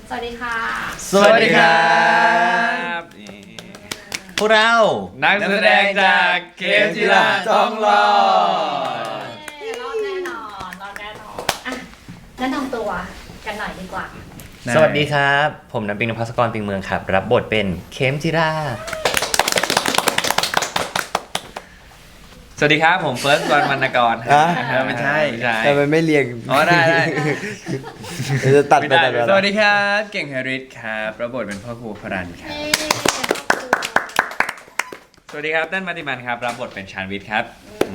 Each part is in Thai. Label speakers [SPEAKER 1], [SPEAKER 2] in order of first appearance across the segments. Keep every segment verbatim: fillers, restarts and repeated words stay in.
[SPEAKER 1] สวัสดีค่ะ
[SPEAKER 2] สวัสดีครับพวกเรา
[SPEAKER 3] นักแสดงจากเกมจิราทองหล่อ
[SPEAKER 1] รอดแน่นอนรอดแน่นอนอ่ะแนะนำตัวกันหน่อยดีกว่า
[SPEAKER 2] สวัสดีครับผมน้ำปิงนภัสกรปิงเมืองครับรับบทเป็นเข็มจิรา
[SPEAKER 3] สวัสดีครับผมเฟิร์สวันวรรณกร
[SPEAKER 4] ไม่ใช่
[SPEAKER 3] ไม่ใช่
[SPEAKER 4] แต่มันไม่เรียง
[SPEAKER 3] อ๋อได้ได้
[SPEAKER 4] จะตัดไปตัดไป
[SPEAKER 3] สวัสดีครับเก่งแฮร์ริสครับรับบทเป็นพ่อครูพรันครับสวัสดีครับเต้นมัติมันครับรับบทเป็นชานวิทย์ครับ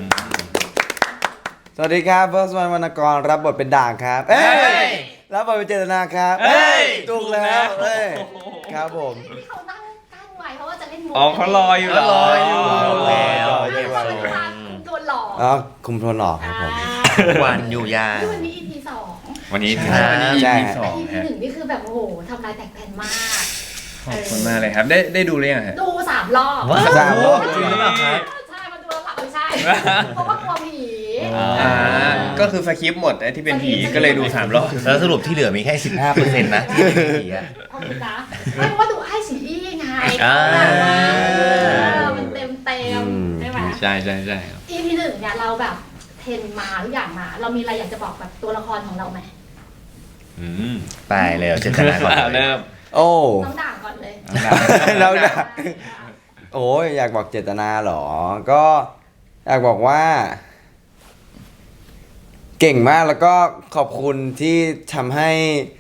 [SPEAKER 4] สวัสดีครับเฟิร์สวันวรรณกรรับบทเป็นด่างครับเอ้ยรับบทเป็นเจตนาครับเอ้ยถูกแล้วเอ้ยครับผม
[SPEAKER 1] ที่เขาตั้งตั้งไว้เพราะว่าจะเล่นมุก
[SPEAKER 3] อ๋อเขารออยู่
[SPEAKER 2] รออยู่แล้ว
[SPEAKER 1] คุมตัวหลอก
[SPEAKER 4] อ๋อคุมโทนหลอกครับผม
[SPEAKER 2] วันอยู่ยา
[SPEAKER 1] วันนี้ อี พี สอง
[SPEAKER 3] วันนี้
[SPEAKER 4] วันนี้ อี พี สอง
[SPEAKER 1] อี พี หนึ่งนี่คือแบบโอ้โหทำลายแตกแผ่นมาก
[SPEAKER 3] ขอบคุณมากเลยครับได้ได้ดูหรือยังฮะ
[SPEAKER 1] ดูสามรอบ
[SPEAKER 4] สามรอบ
[SPEAKER 2] จริงหรือเปล่าครับ
[SPEAKER 1] ใช่มาดูแล้วไม่ใช่เพราะว่ากลัวผี
[SPEAKER 3] อ่าก็คือสคริปต์หมดไอ้ที่เป็นผีก็เลยดูสามรอบ
[SPEAKER 2] แล้วสรุปที่เหลือมีแค่ สิบห้าเปอร์เซ็นต์ นะที่เป็นผีอ่ะ
[SPEAKER 1] เอาดูนะไม่ว่าดูไอ้สีอี้ไงมันเต็มเต็มใช่ไหม
[SPEAKER 3] ใช่ใช่ใช่
[SPEAKER 1] อี พี หนึ่งเนี่ยเราแบบเทรนมาทุกอย่างมาเรามีอะไรอยากจะบอกแบบตัวละครของเราไหม
[SPEAKER 3] อืม
[SPEAKER 2] ไปเลยเจตนาก่อน
[SPEAKER 3] เริ่ม
[SPEAKER 4] โอ้
[SPEAKER 1] น้องด่างก่อนเลย
[SPEAKER 4] เราด่าโอ้ยอยากบอกเจตนาหรอก็อยากบอกว่าเก่งมากแล้วก็ขอบคุณที่ทำให้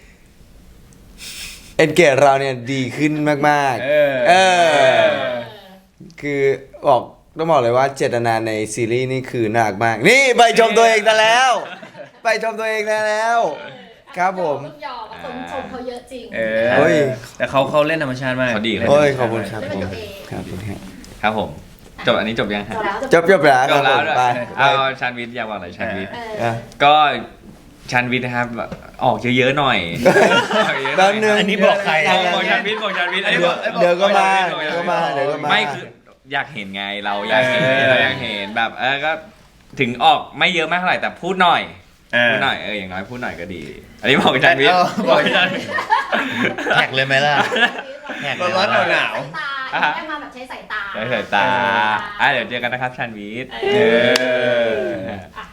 [SPEAKER 4] เอ็นเกจเราเนี่ยดีขึ้นมากๆ เออเออคือบอกต้องบอกเลยว่าเจตนาในซีรีส์นี่คือน่ารักมากนี่ไปชมตัวเองได้แล้วไปชมตัวเองได้แล้วครับผม
[SPEAKER 1] หยอกชมชมเขาเยอะจริง
[SPEAKER 3] เออแต่เขาเขาเล่นธรรมชาติมาก
[SPEAKER 4] เขาดีเลยโอ้ยขอบคุณครับผม
[SPEAKER 3] ครับผมครับผมจบอันนี้จบยังครับ
[SPEAKER 4] จบจบแล้ว
[SPEAKER 3] จบแล้วไปเอาชานวิทย์อยากบอกอะไรชานวิทย์ก็ชานวิทย์นะครับออกเยอะๆหน่อย
[SPEAKER 4] ตอนนึง
[SPEAKER 2] อันนี้บอกใคร
[SPEAKER 3] บอกชานวิทย์บอกชานวิทย์
[SPEAKER 4] เดี๋ยวก็มาเดี๋ยวก็มาเดี๋ยวก็มา
[SPEAKER 3] ไม่คืออยากเห็นไงเราอยากเห็นเราอยากเห็นแบบเออก็ถึงออกไม่เยอะมากเท่าไหร่แต่พูดหน่อยพูดหน่อยเอออย่างน้อยพูดหน่อยก็ดีอันนี้บอกชานวิทย์บอกชานวิทย์
[SPEAKER 2] แท็กเลยไหมล่ะ
[SPEAKER 3] แท็กร้อนหนาว
[SPEAKER 1] ได้มาแบบใช้สายตา
[SPEAKER 3] ใช้สายตาอ่ะเดี๋ยวเจอกันนะครับชานวิทย์เออ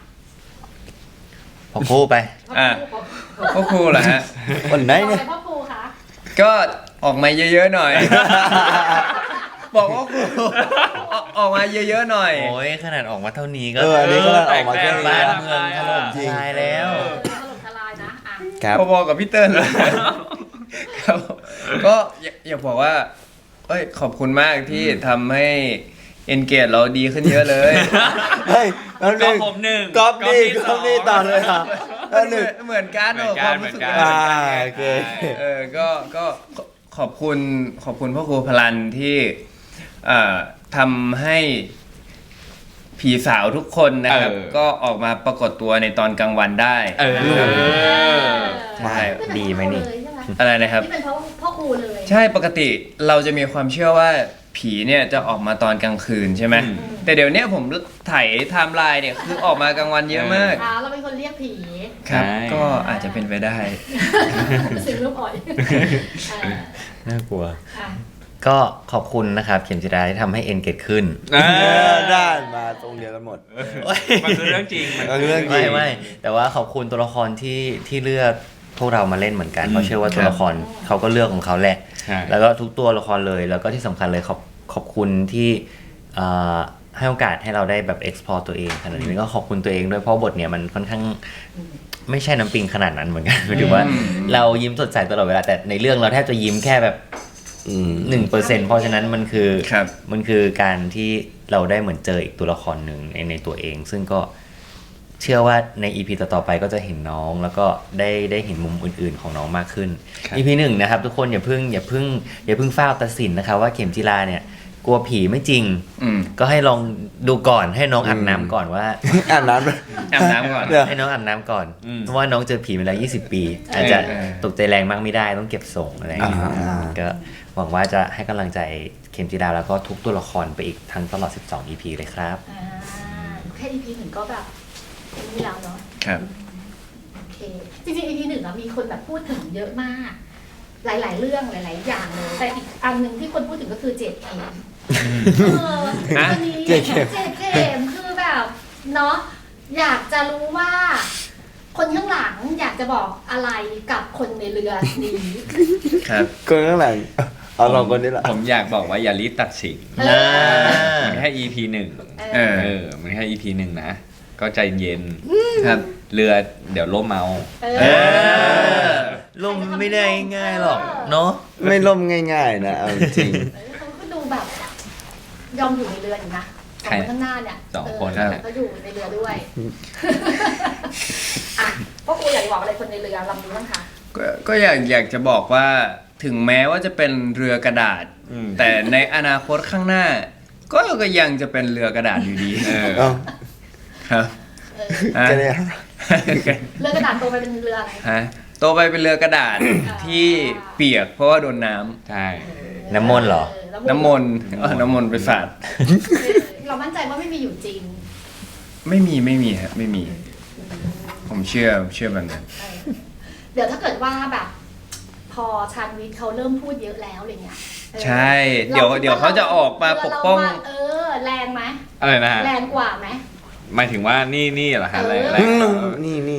[SPEAKER 2] พ่อครูไป
[SPEAKER 3] อ่ะพ่อครูเหรอฮะ
[SPEAKER 4] วันไหนเนี่ย
[SPEAKER 1] พ่อครูคะ
[SPEAKER 3] ก็ออกมาเยอะๆหน่อยบอกว่าครูออกมาเยอะๆหน่อย
[SPEAKER 2] โอ้ยขนาดออกมาเท่านี้ก็
[SPEAKER 4] เอออันนี้ก็ออกมาแค่
[SPEAKER 2] บ้านเมืองถล่มทลายแล้ว
[SPEAKER 1] ถล่มทลายนะอ่ะ
[SPEAKER 4] ครับ
[SPEAKER 3] พอๆกับพี่เติ้ลครับก็อยากบอกว่าเอ้ยขอบคุณมากที่ทำให้เอนเกจเราดีขึ้นเยอะเลย
[SPEAKER 4] เฮ้ย
[SPEAKER 3] ก็ผมหนึ่ง
[SPEAKER 4] ก๊อปนี่ก๊อปนี่ต่อเลยครับ
[SPEAKER 3] หนึ่งเหมือนกันเหมือนกันเหมือนกัน
[SPEAKER 4] โอเค
[SPEAKER 3] เออก็ก็ขอบคุณขอบคุณพ่อครูพลันที่ทำให้ผีสาวทุกคนนะครับก็ออกมาปรากฏตัวในตอนกลางวันได้
[SPEAKER 2] เออ
[SPEAKER 3] ใช่
[SPEAKER 2] ดีไหมนี่
[SPEAKER 3] อะไรนะครับ
[SPEAKER 1] นี่เป็นเพราะพ่อครูเลย
[SPEAKER 3] ใช่ปกติเราจะมีความเชื่อว่าผีเนี่ยจะออกมาตอนกลางคืนใช่ไหมแต่เดี๋ยวนี้ผมถ่ายไทม์ไลน์เนี่ยคือออกมากลางวันเยอะมาก
[SPEAKER 1] เราเป็นคนเรียกผี
[SPEAKER 3] ครับก็อาจจะเป็นไปได้
[SPEAKER 1] สิ่งรูปอ่อย
[SPEAKER 2] น่ากลัวก็ขอบคุณนะครับเข็มจิราที่ทำให้เอ็นเกตขึ้น
[SPEAKER 4] ได้มาตรงเดียวกันหมด
[SPEAKER 3] มันคือเรื่องจริง
[SPEAKER 4] มันคือเรื่องจริง
[SPEAKER 2] ไม่ไม่แต่ว่าขอบคุณตัวละครที่ที่เลือกพวกเรามาเล่นเหมือนกันเพราะเชื่อว่าตัวละครเขาก็เลือกของเขาแหละแล้วก็ทุกตัวละครเลยแล้วก็ที่สำคัญเลยขอบขอบคุณที่ให้โอกาสให้เราได้แบบ explore ตัวเองขนาดนี้ก็ขอบคุณตัวเองด้วยเพราะบทเนี่ยมันค่อนข้างไม่ใช่น้ำปิงขนาดนั้นเหมือนกันหมายถึงว่าเรายิ้มสดใสตลอดเวลาแต่ในเรื่องเราแทบจะยิ้มแค่แบบหนึ่งเปอร์เซ็นต์เพราะฉะนั้นมันคือมันคือการที่เราได้เหมือนเจออีกตัวละครหนึ่งในในตัวเองซึ่งก็เชื่อว่าใน อี พี ต่อๆไปก็จะเห็นน้องแล้วก็ได้ได้เห็นมุมอื่นๆของน้องมากขึ้น อี พี หนึ่งนะครับทุกคนอย่าเพิ่งอย่าเพิ่งอย่าเพิ่งฟ้าวตัดสินนะครับว่าเข็มจิราเนี่ยกลัวผีไม่จริงก็ให้ลองดูก่อนให้น้องอาบน้ำก่อนว่า
[SPEAKER 4] อาบน้ำ
[SPEAKER 3] อาบน้ำก่อน
[SPEAKER 2] ให้น้องอาบน้ำก่อนเพราะว่าน้องเจอผีมาแล้วยี่สิบปีอาจจะตกใจแรงมากไม่ได้ต้องเก็บส่งอะไรอย่างเงี้ยก็หวังว่าจะให้กำลังใจเข็มจิราแล้วก็ทุกตัวละครไปอีกทั้งตลอดสิบสอง อี พี เลยครับ
[SPEAKER 1] แค่ อี พี หนึ่งก็แบบนี่แล้วเนาะ
[SPEAKER 3] ครับ
[SPEAKER 1] โอเคจริงๆ อี พี หนึ่งอะมีคนแบบพูดถึงเยอะมากหลาย ๆ เรื่องหลาย ๆ อย่างเลยแต่อีกอันหนึ่งที่คนพูดถึงก็คือเจดเกมเอออันนี้เจดเกมคือแบบเนาะอยากจะรู้ว่า คนข้างหลังอยากจะบอกอะไรกับคนในเรือนี้
[SPEAKER 3] ครับ
[SPEAKER 4] คนข้างหลังเอาลองคนนี้ละ
[SPEAKER 5] ผมอยากบอกว่าอย่ารีบตัดสิน
[SPEAKER 1] เออ
[SPEAKER 5] มันแค่ อี พี หนึ่ง
[SPEAKER 3] เออ
[SPEAKER 5] เออ มันแค่ อี พี หนึ่งนะ ก็ใจเย็น
[SPEAKER 3] ครับ
[SPEAKER 5] เรือเดี๋ยวล่มเมา
[SPEAKER 1] เอ
[SPEAKER 2] เอ
[SPEAKER 1] อ
[SPEAKER 2] อล่มไม่ได้ง่ายหรอกเนาะ
[SPEAKER 4] ไม่ล่มง่ายๆนะเอาจริง
[SPEAKER 1] เขาก็ดูแบบ ยอมอยู่ในเรืออยู่นะสองคนข้างหน้าเนี่ย
[SPEAKER 5] สองคน
[SPEAKER 1] เก็อยู่ในเรือด้วยอ่ะพวกกูอยากบอกอะไรคนในเรือลำนี้บ้างคะ
[SPEAKER 3] ก็ก็อยากอยากจะบอกว่าถึงแม้ว่าจะเป็นเรือกระดาษ
[SPEAKER 5] อืม
[SPEAKER 3] แต่ในอนาคตข้างหน้า ก็ก็ยังจะเป็นเรือกระดาษอยู่ดี
[SPEAKER 5] เออ
[SPEAKER 4] เอ้า
[SPEAKER 3] ครับ
[SPEAKER 1] เออ
[SPEAKER 3] ฮะ
[SPEAKER 4] ก็เนี่ย
[SPEAKER 1] เรือกระดาษโตไปเป็นเรืออะไร
[SPEAKER 3] ฮะโตไปเป็นเรือกระดาษที่เปียกเพราะว่าโดนน้ำ
[SPEAKER 5] ใช่
[SPEAKER 2] น้ำมนต์เหรอ
[SPEAKER 3] น้ำมนต์เออน้ำมนต์ไปสาด
[SPEAKER 1] เออเรามั่นใจว่าไม่มีอยู่จริง
[SPEAKER 3] ไม่มีไม่มีฮะไม่มี ผมเชื่อเชื่อแบบนั้น
[SPEAKER 1] เออเดี๋ยวถ้าเกิดว่าแบบ พอชาญวิทย์เขาเริ่มพูดเยอะแล้วอะไรเงี้ยเออ
[SPEAKER 3] ใช่ เดี๋ยวเดี๋ยวเขาจะออกมาปกป้อง
[SPEAKER 1] เรืเราเออ แรงไหม
[SPEAKER 5] อะไรนะฮะ
[SPEAKER 1] แรงกว่าไหม
[SPEAKER 5] หมายถึงว่านี่นี่เหรอฮะ
[SPEAKER 1] เออ
[SPEAKER 5] แรงแร
[SPEAKER 4] อื
[SPEAKER 5] ง
[SPEAKER 4] มนี่นี่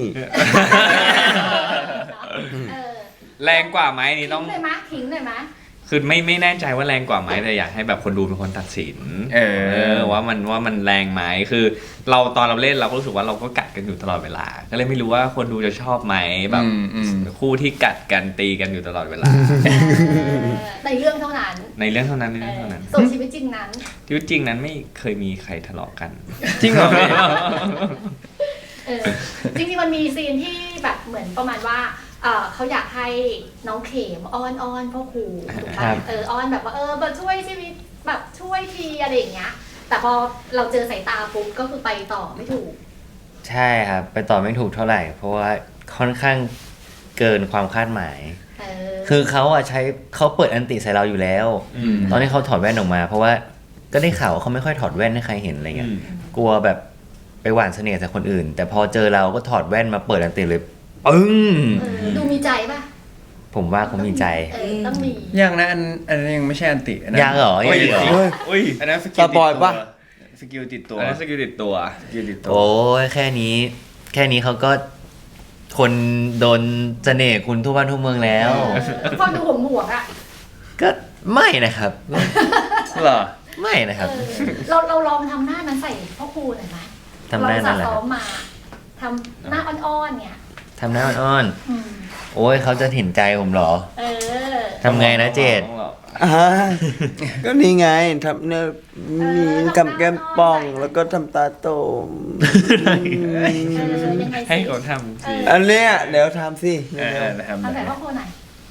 [SPEAKER 1] เออ
[SPEAKER 5] แรงกว่าไหมนี่
[SPEAKER 1] ทิ้
[SPEAKER 5] ต้อง
[SPEAKER 1] งเลยไหมทิ้งเลยไหม
[SPEAKER 5] คือไม่ไม่แน่ใจว่าแรงกว่าไหมแต่อยากให้แบบคนดูเป็นคนตัดสิน
[SPEAKER 3] เออ
[SPEAKER 5] ว่ามันว่ามันแรงไหมคือเราตอนเราเล่นเราก็รู้สึกว่าเราก็กัดกันอยู่ตลอดเวลา ก็เลยไม่รู้ว่าคนดูจะชอบไหมแบบ
[SPEAKER 3] อืมอืม
[SPEAKER 5] คู่ที่กัดกันตีกันอยู่ตลอดเวลา
[SPEAKER 1] เออในเรื่องเท่านั้น
[SPEAKER 5] ในเรื่องเท่านั้นใน
[SPEAKER 1] เอ
[SPEAKER 5] เรื่อง
[SPEAKER 1] อ
[SPEAKER 5] เท่านั้น
[SPEAKER 1] ส่วนชีวิตจริงนั้น
[SPEAKER 5] ชีวิตจริงนั้นไม่เคยมีใครทะเลาะกัน
[SPEAKER 3] จริงเหรอพี่
[SPEAKER 1] เออจริงๆมันมีซีนที่แบบเหมือนประมาณว่าเออเขาอยากให้น้องเข็มอ้อนอ้อนพ่อครูถูก
[SPEAKER 2] ครั
[SPEAKER 1] ปะ
[SPEAKER 2] บ
[SPEAKER 1] เอออ้อนแบบว่าเออมาช่วยชีวิตแบบช่วยทีอะไรอย่างเงี้ย แต่พอเราเจอสายตาปุ๊บก็คือไปต่อไม่ถูก
[SPEAKER 2] ใช่ครับ ไปต่อไม่ถูกเท่าไหร่ เพราะว่าค่อนข้างเกินความคาดหมาย
[SPEAKER 1] เออ
[SPEAKER 2] คือเขาอะใช้เขาเปิดอันติใส่เราอยู่แล้ว
[SPEAKER 5] อืม
[SPEAKER 2] ตอนที่เขาถอดแว่นออกมา เพราะว่าก็ได้ข่าวว่าเขาไม่ค่อยถอดแว่นให้ใครเห็นอะไรเงี้ย กลัวแบบไปหว่านเสน่ห์ใส่คนอื่น แต่พอเจอเราก็ถอดแว่นมาเปิดอันติเลยปึ้ง
[SPEAKER 1] เออดูมีใจป่ะ
[SPEAKER 2] ผมว่าเขามีใจ
[SPEAKER 1] เออต้องมี
[SPEAKER 3] ยังนะอันอันนั้นยังไม่ใช่อันติอันนั้น
[SPEAKER 2] ยังเหรอยังอีกเหรอ
[SPEAKER 3] เฮ้ย
[SPEAKER 5] อุ้ย
[SPEAKER 3] อันนั้นสกิ
[SPEAKER 4] ส
[SPEAKER 3] ล
[SPEAKER 4] ปอยล์ปะ
[SPEAKER 3] สกิลติดตัว
[SPEAKER 5] อันนั้นสกิลติดตัว
[SPEAKER 3] สกิลติดตัว
[SPEAKER 2] โอ้ยแค่นี้ แค่นี้เขาก็คนโดนเสน่ห์คุณทั่วบ้านทั่วเมืองแล้ว
[SPEAKER 1] เออฟังดูห่วงห่วงๆอ่ะ
[SPEAKER 2] ก็ไม่นะครับ
[SPEAKER 3] เหรอ
[SPEAKER 2] ไม่นะครับ
[SPEAKER 1] เออเราเราลองทำหน้ามันใส่พ่อครูหน่อยไหม
[SPEAKER 2] ทำหน้านั่นแหละ
[SPEAKER 1] เรา
[SPEAKER 2] ค
[SPEAKER 1] ซ้
[SPEAKER 2] รั
[SPEAKER 1] อบ มมาทำหน้าอ่อนๆเนี่ย
[SPEAKER 2] ทำหน้าอ้อน
[SPEAKER 1] อืม
[SPEAKER 2] ๆโอ้ยเขาจะเห็นใจผมเหรอ
[SPEAKER 1] เออ
[SPEAKER 2] ทำไงนะเจด
[SPEAKER 4] อ่าก็นี่ไงทำเนี่ยมีกำแก้มป่องแล้วก็ทำตาโตม
[SPEAKER 1] เออยังไง
[SPEAKER 5] ให้
[SPEAKER 1] สิ
[SPEAKER 5] เขาทำสิ
[SPEAKER 4] อันเนี้ยเดี๋ยวทำสิ
[SPEAKER 3] เออทำ
[SPEAKER 1] ทำใส่
[SPEAKER 3] ได้
[SPEAKER 1] พ่อครูหน่อย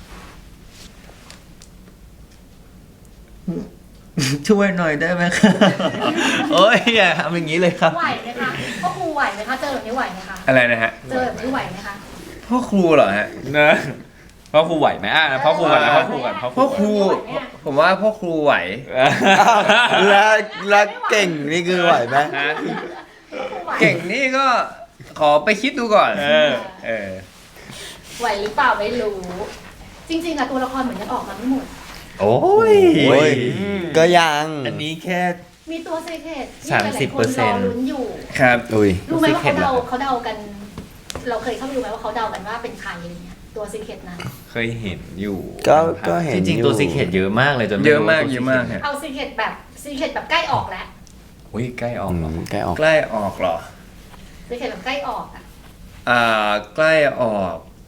[SPEAKER 2] ช่วยหน่อยได้ไหมครับ โอ้ยอย่าทำอย่างนี้เลยครับ
[SPEAKER 1] ไหวไหมคะพ่อครูไหวไหมคะเจอแบบนี้ไหวไหมคะ
[SPEAKER 3] อะไรนะฮะ
[SPEAKER 1] เจอแบบนี้ไหวไหมคะ
[SPEAKER 3] พ่อครูเหรอฮะ
[SPEAKER 5] นะพ่อครูไหวไหมอ่ะพ่อครูก่อนนะพ่อครูก่อนพ่อค
[SPEAKER 3] พ่
[SPEAKER 5] รู
[SPEAKER 3] อครู ผมว่าพ่อครูไหว
[SPEAKER 4] อ้าวแล้วแล้วเก่งนี่คือไหวไหม
[SPEAKER 3] ฮะ
[SPEAKER 1] พ่อครูไหว
[SPEAKER 3] เก่งนี่ก็ขอไปคิดดูก่อน
[SPEAKER 5] เออ
[SPEAKER 3] เออ
[SPEAKER 1] ไหวหรือเปล่าไม่รู้ จริงๆอะตัวละครเหมือนยังออกมาไม่หมด
[SPEAKER 2] โอ้ย
[SPEAKER 4] โอ้ยก็ยัง
[SPEAKER 2] อันนี้แค่
[SPEAKER 1] มีตัวเซเคตที่
[SPEAKER 2] สาม
[SPEAKER 1] หลาย
[SPEAKER 2] สิบ
[SPEAKER 1] ๆค
[SPEAKER 2] เปอน ร์เซ็
[SPEAKER 1] ร
[SPEAKER 2] น
[SPEAKER 1] อ
[SPEAKER 2] ต์
[SPEAKER 1] ลุ้นอยู่
[SPEAKER 3] ครับ
[SPEAKER 4] อุ้ย
[SPEAKER 1] รู้ไหมว่าเขา
[SPEAKER 2] Secret
[SPEAKER 1] เดา
[SPEAKER 2] เหรอ
[SPEAKER 1] เขาเดากัน เราเคยเข้าไปดูไหมว่าเขาเดากันว่าเป็นใครอะไรเงี้ยตัวซีเคตนั้น
[SPEAKER 5] เคยเห็นอยู่
[SPEAKER 4] ก็ก็เห็น
[SPEAKER 2] จริง
[SPEAKER 4] อยู่
[SPEAKER 2] ๆตัวซีเคทเยอะมากเลยจนไ
[SPEAKER 3] เยอะมาก
[SPEAKER 2] รู้ว่
[SPEAKER 3] เยอะมาก
[SPEAKER 2] ตัว
[SPEAKER 3] ฮะ
[SPEAKER 1] เอาซีเคตแบบซีเคตแบบใกล้ออกแล้ว
[SPEAKER 5] อุ้ยใกล้ออก
[SPEAKER 4] อื
[SPEAKER 5] เหรอ
[SPEAKER 4] มใกล้ออก
[SPEAKER 3] ใกล้ออกเหรอ
[SPEAKER 1] ซีเคตแบบใกล้ออกอะ
[SPEAKER 3] อ่าใกล้ออก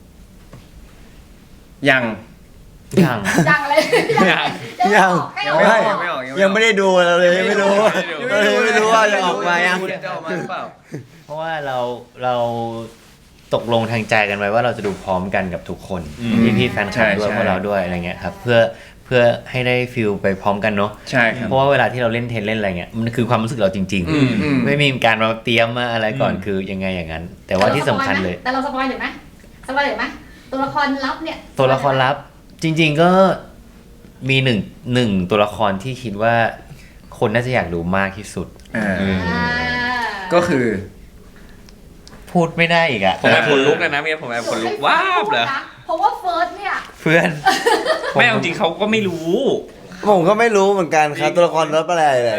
[SPEAKER 3] ยัง
[SPEAKER 2] ยัง
[SPEAKER 1] ยังเลยยังยังใกล้ออก
[SPEAKER 3] ยัง
[SPEAKER 1] ใกล้
[SPEAKER 3] ไม่
[SPEAKER 1] อ
[SPEAKER 3] อ
[SPEAKER 1] อ
[SPEAKER 3] อก
[SPEAKER 1] ก
[SPEAKER 3] ยังไม่ออก
[SPEAKER 4] ยังไม่ได้ดูเราเลยไม่รู้เราเลยไม่รู้ว่าจะออกมายัง
[SPEAKER 3] จะออกมาหรือเปล่า
[SPEAKER 2] เพราะว่าเราเราตกลงทางใจกันไว้ว่าเราจะดูพร้อมกันกับทุกคน
[SPEAKER 5] อืม
[SPEAKER 2] พี่พี่ๆแฟนคลับ
[SPEAKER 3] ใช่
[SPEAKER 2] ด้วย
[SPEAKER 3] ใช่
[SPEAKER 2] พวกเราด้วยอะไรเงี้ยครับเพื่อเพื่อให้ได้ฟิลไปพร้อมกันเนาะ
[SPEAKER 3] ใช่ครับ
[SPEAKER 2] เพราะว่าเวลาที่เราเล่นเทนเล่นอะไรเงี้ยมันคือความรู้สึกเราจริง
[SPEAKER 3] อืมอืม
[SPEAKER 2] ไม่มีการมาเตรียมมาอะไรก่อนคือยังไงอย่างนั้น แต่ว่าที่สำคัญเลย
[SPEAKER 1] แต่เราสปอยหน่อยไหมสปอยหน่อยไหมตัวละครลับเนี่ย
[SPEAKER 2] ตัวละครลับจริง ๆก็มีหนึ่งหนึ่งตัวละครที่คิดว่าคนน่าจะอยากดูมากที่สุด
[SPEAKER 3] อ่า
[SPEAKER 1] อ่า
[SPEAKER 3] ก็คือ
[SPEAKER 2] ผพูดไม่ได้อีกอะ
[SPEAKER 5] ผมแอบขนลุกเลยนะเมียผมแอบขนลุกว้าบเลย
[SPEAKER 1] เพราะว่าเฟิร์สเนี่ย
[SPEAKER 2] เพื่อน
[SPEAKER 5] ไม่เอาจริงเขาก็ไม่รู้
[SPEAKER 4] ผมก็ไม่รู้เหมือนกันครับตัวละครรับอะไรเลย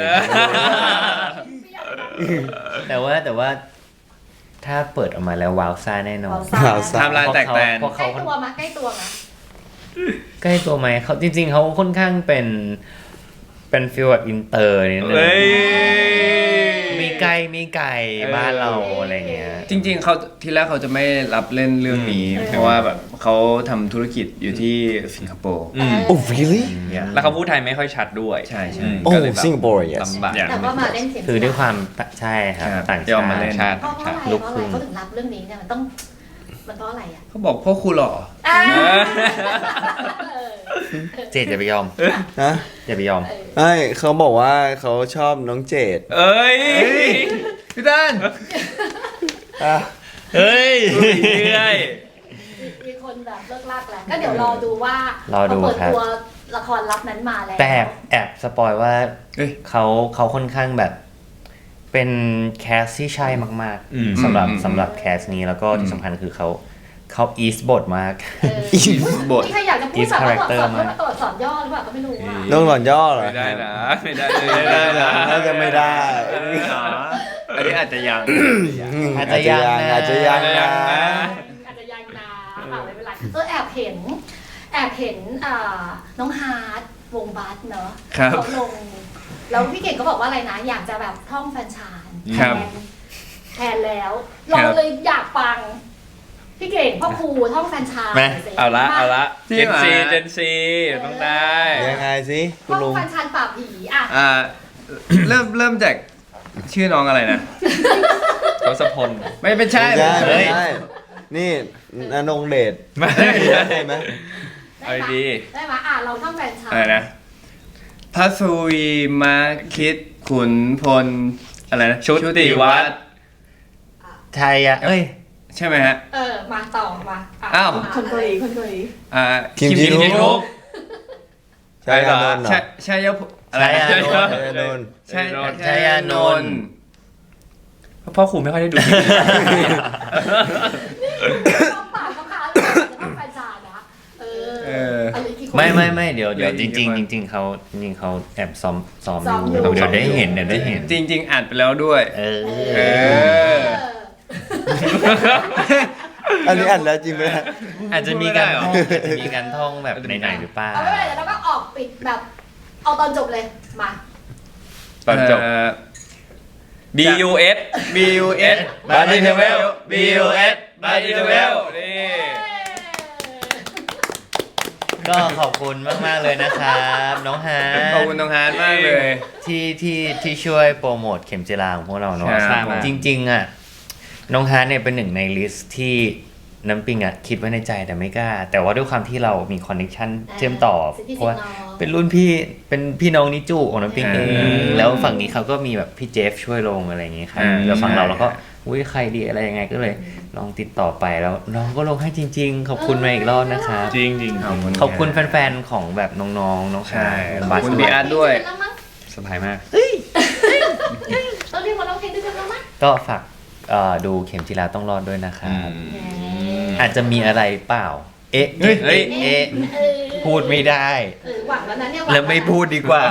[SPEAKER 2] แต่ว่าแต่ว่าถ้าเปิดออกมาแล้วว้าวซ่าแน่นอน
[SPEAKER 4] ว้าวซ่า
[SPEAKER 3] ไทม์ไลน์แตกแตน
[SPEAKER 2] เพราะ
[SPEAKER 1] ใกล้
[SPEAKER 2] เขา
[SPEAKER 1] ตัวมาใกล้ตัวมา
[SPEAKER 2] ใกล้ตัวไหมเขาจริง ๆเขาค่อนข้างเป็นเป็นฟีลแบบอินเตอร์นิดนึง
[SPEAKER 5] เฮ้ย
[SPEAKER 2] มีไกลมีไก่บ้านเราอะไรเงี้ย
[SPEAKER 3] จริง ๆเขาทีแรกเขาจะไม่รับเล่นเรื่องนี้ เพราะว่าแบบเขาทำธุรกิจอยู่ที่สิงคโปร์
[SPEAKER 5] อืม
[SPEAKER 4] โอ้ really
[SPEAKER 5] แล้วเขาพูดไทยไม่ค่อยชัดด้วย
[SPEAKER 3] ใช่ใช่
[SPEAKER 5] อืม
[SPEAKER 4] โอ้
[SPEAKER 5] ก็เลยแบบ
[SPEAKER 4] สิงคโปร์ yes
[SPEAKER 5] ลำบาก
[SPEAKER 1] แต่ว่ามาเล่นเสียง
[SPEAKER 2] คือด้วยความใช่ครับ
[SPEAKER 3] ครับ
[SPEAKER 2] ต่าง
[SPEAKER 3] ยอ
[SPEAKER 2] ชาม
[SPEAKER 3] มาเล่น
[SPEAKER 2] ติ
[SPEAKER 5] ชาติ
[SPEAKER 1] เพราะเพราะอะไร
[SPEAKER 2] ลูก
[SPEAKER 1] เพราะ
[SPEAKER 2] ครึ่
[SPEAKER 1] อะไร
[SPEAKER 2] ง
[SPEAKER 1] เขาถึงรับเรื่องนี้เนี่ยมันต้องมันเพราะอะไรอ่ะ
[SPEAKER 3] เขาบอกพ่อครูหล่อ
[SPEAKER 1] อ่า
[SPEAKER 2] เจดอย่าไปยอม
[SPEAKER 4] นะ
[SPEAKER 2] อย่าไปยอม
[SPEAKER 4] ใช่เขาบอกว่าเขาชอบน้องเจด
[SPEAKER 5] เอ้ย
[SPEAKER 3] พี่ด้าน
[SPEAKER 4] อ่ะ
[SPEAKER 2] เฮ้ย
[SPEAKER 5] เรื่อย
[SPEAKER 1] มีคนแบบเลิกลากแล้วก็เดี๋ยวรอดูว่าร
[SPEAKER 2] อดู
[SPEAKER 1] พเปิด
[SPEAKER 2] ครับ
[SPEAKER 1] ตัวละครลับนั้นมาแล้ว
[SPEAKER 2] แต่แอบสปอยว่า
[SPEAKER 3] เอ้ย
[SPEAKER 2] เขาเขาค่อนข้างแบบ เป็นแคสที่ใช่มาก
[SPEAKER 5] อืม
[SPEAKER 2] ๆสำหรับ
[SPEAKER 3] อืม
[SPEAKER 2] สำหรับแคสนี้แล้วก็ที่สำคัญคือเขาเขาอีสบทมาก
[SPEAKER 1] เออ
[SPEAKER 3] อีบท
[SPEAKER 1] มีใครอยากจะพูด
[SPEAKER 2] East
[SPEAKER 1] แบบว่า
[SPEAKER 2] character
[SPEAKER 1] ตัวสอน
[SPEAKER 2] มาก
[SPEAKER 1] ตัวสอนย่อหรือเปล่าก็ไม่รู้อ่ะ
[SPEAKER 4] น้องหล่อนย่อเหรอ
[SPEAKER 5] ไม่ได้นะ ไม่ได้
[SPEAKER 3] ไม่ได้นะ
[SPEAKER 4] น่าจะไม่ได้
[SPEAKER 3] อันนี้อาจจะยัง
[SPEAKER 2] อาจจะยังนะ
[SPEAKER 4] อาจจะยังนะ
[SPEAKER 1] อาจจะยังนะอ่ะไม่เป็นไรเออแอบเห็น แอบเห็นอ่าน้องฮาร์ดวงบัสเนอะ
[SPEAKER 3] ครับ
[SPEAKER 1] เขาลงแล้วพี่เก่งก็บอกว่าอะไรนะ อยากจะแบบท่องแฟรนไชาน
[SPEAKER 3] ครับ
[SPEAKER 1] แทนแล้วเราเลยอยากฟัง พี่เก่งพ่อครูท่องแฟรนไชาน
[SPEAKER 2] ไหม
[SPEAKER 1] หน่ยสิ
[SPEAKER 5] เอาละเอาละ
[SPEAKER 3] จริ
[SPEAKER 5] เจ
[SPEAKER 3] ง
[SPEAKER 5] น
[SPEAKER 3] เหรอ
[SPEAKER 5] ซีเจนซีต้องได้
[SPEAKER 4] ยังไงสิคุ
[SPEAKER 1] ท่
[SPEAKER 4] ณ
[SPEAKER 1] อง
[SPEAKER 4] ลุง
[SPEAKER 1] แฟรนไชานปราบผีอ่ะ
[SPEAKER 3] อ่าเริ่มเริ่มจากชื่อน้องอะไรนะ
[SPEAKER 5] ทศพล
[SPEAKER 3] ไม่เป็นใช่
[SPEAKER 4] ไม่ใช่
[SPEAKER 3] ไม่
[SPEAKER 4] ไม่
[SPEAKER 3] ใช่
[SPEAKER 4] ใช่นี่นนงเดช
[SPEAKER 5] ไม่
[SPEAKER 4] ใช่ไหม
[SPEAKER 1] ได้
[SPEAKER 5] เอา
[SPEAKER 1] ไหม
[SPEAKER 5] ดี
[SPEAKER 1] ได้ไหมอ่ะเราท่องแฟรนไชาน
[SPEAKER 3] อะไรนะพัสวีมาคิดขุนพลอะไรนะ
[SPEAKER 5] ชุติวัฒน์
[SPEAKER 2] ไทยอะเอ้ย
[SPEAKER 3] ใช่ไหมฮะ
[SPEAKER 1] เออมาต่อมาะ
[SPEAKER 3] อ้าว
[SPEAKER 1] มา
[SPEAKER 6] คนเกาหลีคนเกาหลี
[SPEAKER 3] อ่า
[SPEAKER 4] คิมจินุ
[SPEAKER 5] คิมจินุ
[SPEAKER 3] ก
[SPEAKER 4] ใช่อานนท์เหรอ
[SPEAKER 3] ใช่ใช่ยะอะไร
[SPEAKER 2] ใช่
[SPEAKER 3] นะ
[SPEAKER 2] อานนท์
[SPEAKER 4] ใช่อานนท์
[SPEAKER 3] ใช่
[SPEAKER 2] ใช่อานนท์
[SPEAKER 5] พ่อครูไม่ค่อยได้ดู
[SPEAKER 1] ท่องปากเขาค่ะท่องแฟรนไชานนะเออ
[SPEAKER 3] เออ
[SPEAKER 1] เอาอีกกี่คน
[SPEAKER 2] ไม่ไม่ไม่เดี๋ยวเดี๋ยว
[SPEAKER 3] เดี๋
[SPEAKER 2] จ
[SPEAKER 3] ยว
[SPEAKER 2] ริง
[SPEAKER 3] อีก
[SPEAKER 2] ๆ
[SPEAKER 3] กี่
[SPEAKER 2] จ
[SPEAKER 3] คน
[SPEAKER 2] ริงๆเขาจริงๆเขาแอบซ้อมซ้อม
[SPEAKER 1] ซ้อม
[SPEAKER 2] อ
[SPEAKER 1] อยู่
[SPEAKER 2] ยู่เดี๋ยวได้เห็นเดี๋ยวได้เห็น
[SPEAKER 3] จริง ๆอ่านไปแล้วด้วย
[SPEAKER 2] เออ
[SPEAKER 3] เออ
[SPEAKER 4] อันนี้อ่านแล้วจริงไหมฮะ
[SPEAKER 2] อาจจะมีการ
[SPEAKER 3] พูดไม่ได้เหรอ
[SPEAKER 2] ท่องอาจจะมีการท่องแบบในไหนๆหรือเปล่า
[SPEAKER 1] เอาไม่เป็นไรเดี๋ยวเราก็ออกปิดแบบ เอาตอนจบเลยมา
[SPEAKER 5] ตอนจบ
[SPEAKER 3] เ
[SPEAKER 5] B U S
[SPEAKER 3] B U S
[SPEAKER 5] Buddy Travel B U S Buddy Travel นี่
[SPEAKER 2] ก็ขอบคุณมาก ๆ เลยนะครับ น้องฮาร์
[SPEAKER 3] ขอบคุณน้องฮาร์ดมากเลย
[SPEAKER 2] ที่ที่ที่ช่วยโปรโมทเข็มจีราของพวกเราเนาะ
[SPEAKER 3] ครับ
[SPEAKER 2] จริง ๆ อ่ะ น้องฮาร์เนี่ยเป็นหนึ่งในลิสต์ที่น้ำปิงอ่ะคิดไว้ในใจแต่ไม่กล้า แต่ว่าด้วยความที่เรามีคอนเนคชั่นเชื่อมต่อ
[SPEAKER 1] สิทธิ
[SPEAKER 2] เพราะว่า
[SPEAKER 1] สิทธิ์น้อง
[SPEAKER 2] เป็นรุ่นพี่เป็นพี่น้องนิจูของน้ำปิงเอง
[SPEAKER 3] อืม
[SPEAKER 2] แล้วฝั่งนี้เขาก็มีแบบพี่เจฟช่วยลงอะไรอย่างงี้ครับ
[SPEAKER 3] อืม
[SPEAKER 2] แล้วฝั่งเรา
[SPEAKER 3] ใช่
[SPEAKER 2] เราก็อุ้ยใครดีอะไรยังไงก็เลยลองติดต่อไปแล้วน้องก็ลงให้จริง ๆ ขอบคุณมาอีกรอบนะครับ
[SPEAKER 5] จริงจริง
[SPEAKER 3] ขอบคุณ
[SPEAKER 2] ขอบคุณแฟนๆ ของแบบน้องๆ น้อง
[SPEAKER 3] ใช่
[SPEAKER 2] ฮาร์
[SPEAKER 3] ขอบคุณพี่อาร์ตด้วย
[SPEAKER 5] สบายมาก
[SPEAKER 1] ต้องเรียกว่าร้องเพลงด้วยกันแล้วมั้ย
[SPEAKER 2] ก็ฝากเอ่อดูเข็มจีราต้องรอดด้วยนะครับ
[SPEAKER 5] อืม
[SPEAKER 2] อาจจะมีอะไรเปล่า เอ๊ะ
[SPEAKER 5] เฮ้ย
[SPEAKER 2] เอ๊ะเอ๊ะ
[SPEAKER 1] เออ
[SPEAKER 2] พูดไม่ได้
[SPEAKER 1] เออหวังแล้วนะเนี่ยหวัง
[SPEAKER 2] แล้วไม่พูดดีกว่า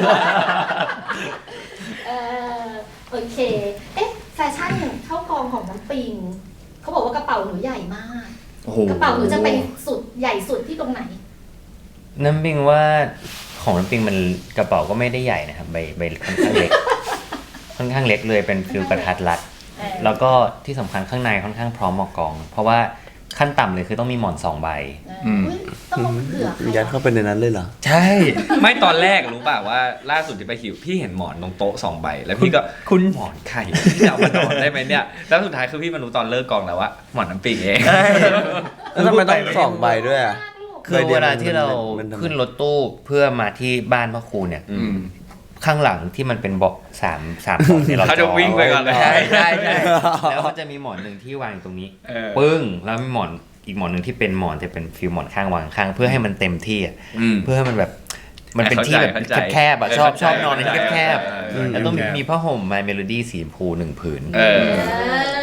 [SPEAKER 1] เออโอเค เอ๊ะแฟชั่นเข้ากองของน้ำปิงเขาบอกว่ากระเป๋าหนูใหญ่มาก
[SPEAKER 3] โอ้โห
[SPEAKER 1] กระเป๋าหนูจะไปสุดใหญ่สุดที่ตรงไหน
[SPEAKER 2] น้ำปิงว่าของน้ำปิงมันกระเป๋าก็ไม่ได้ใหญ่นะครับใบใบค่อนข้างเล็ก ค่อนข้างเล็กเลยเป็นฟิลกระทัดรัด
[SPEAKER 1] เออ
[SPEAKER 2] แล้วก็ที่สำคัญข้างในค่อนข้างพร้อมเหมาะกอง เพราะว่าขั้นต่ำเลยคือต้องมีหมอนสองใบ
[SPEAKER 1] เอออุ๊ยต้องมาเผื่อใคร
[SPEAKER 4] ยัดเข้าไปในนั้นเลยเหรอ
[SPEAKER 2] ใช่
[SPEAKER 5] ไม่ตอนแรกรู้ป่ะว่าล่าสุดที่ไปหิวพี่เห็นหมอนตรงโต๊ะสองใบ แล้วพี่ก็คุณหมอนไข่พี่จะเอามานอนได้ไหมเนี่ย แล้วสุดท้ายคือพี่มารู้ตอนเลิกกองแล้วว่าหมอนน้ำปิงเอง
[SPEAKER 4] แล้วทำไมต้องสองใบด้วยอ่ะ
[SPEAKER 2] คือเวลาที่เรา
[SPEAKER 4] มันทำไม
[SPEAKER 2] ขึ้นรถตู้เพื่อมาที่บ้านพ่อครูเนี่ย
[SPEAKER 5] อืม
[SPEAKER 2] ข้างหลังที่มันเป็นเบาะสามสามเบาะเนี่ยเรา
[SPEAKER 5] เขาจะวิ่งไปก่อนเลย
[SPEAKER 2] ใช่ใช่ใช่แล้วมันจะมีหมอนหนึ่งที่วางอยู่ตรงนี้
[SPEAKER 5] เออ
[SPEAKER 2] ปึ้งแล้วมีหมอนอีกหมอนหนึ่งที่เป็นหมอนแต่เป็นฟิลหมอนข้างวางข้างเพื่อให้มันเต็มที่อะ
[SPEAKER 5] อืม
[SPEAKER 2] เพื่อให้มันแบบมันเป็นที่แบบ
[SPEAKER 5] เข้าใจ
[SPEAKER 2] แคบๆอะชอบชอบนอนในที่แคบ
[SPEAKER 5] เออ
[SPEAKER 2] ๆแล้วต้องมีมีผ้าห่ม My Melody สีชมพูหนึ่งผืน
[SPEAKER 5] เออ
[SPEAKER 1] เออ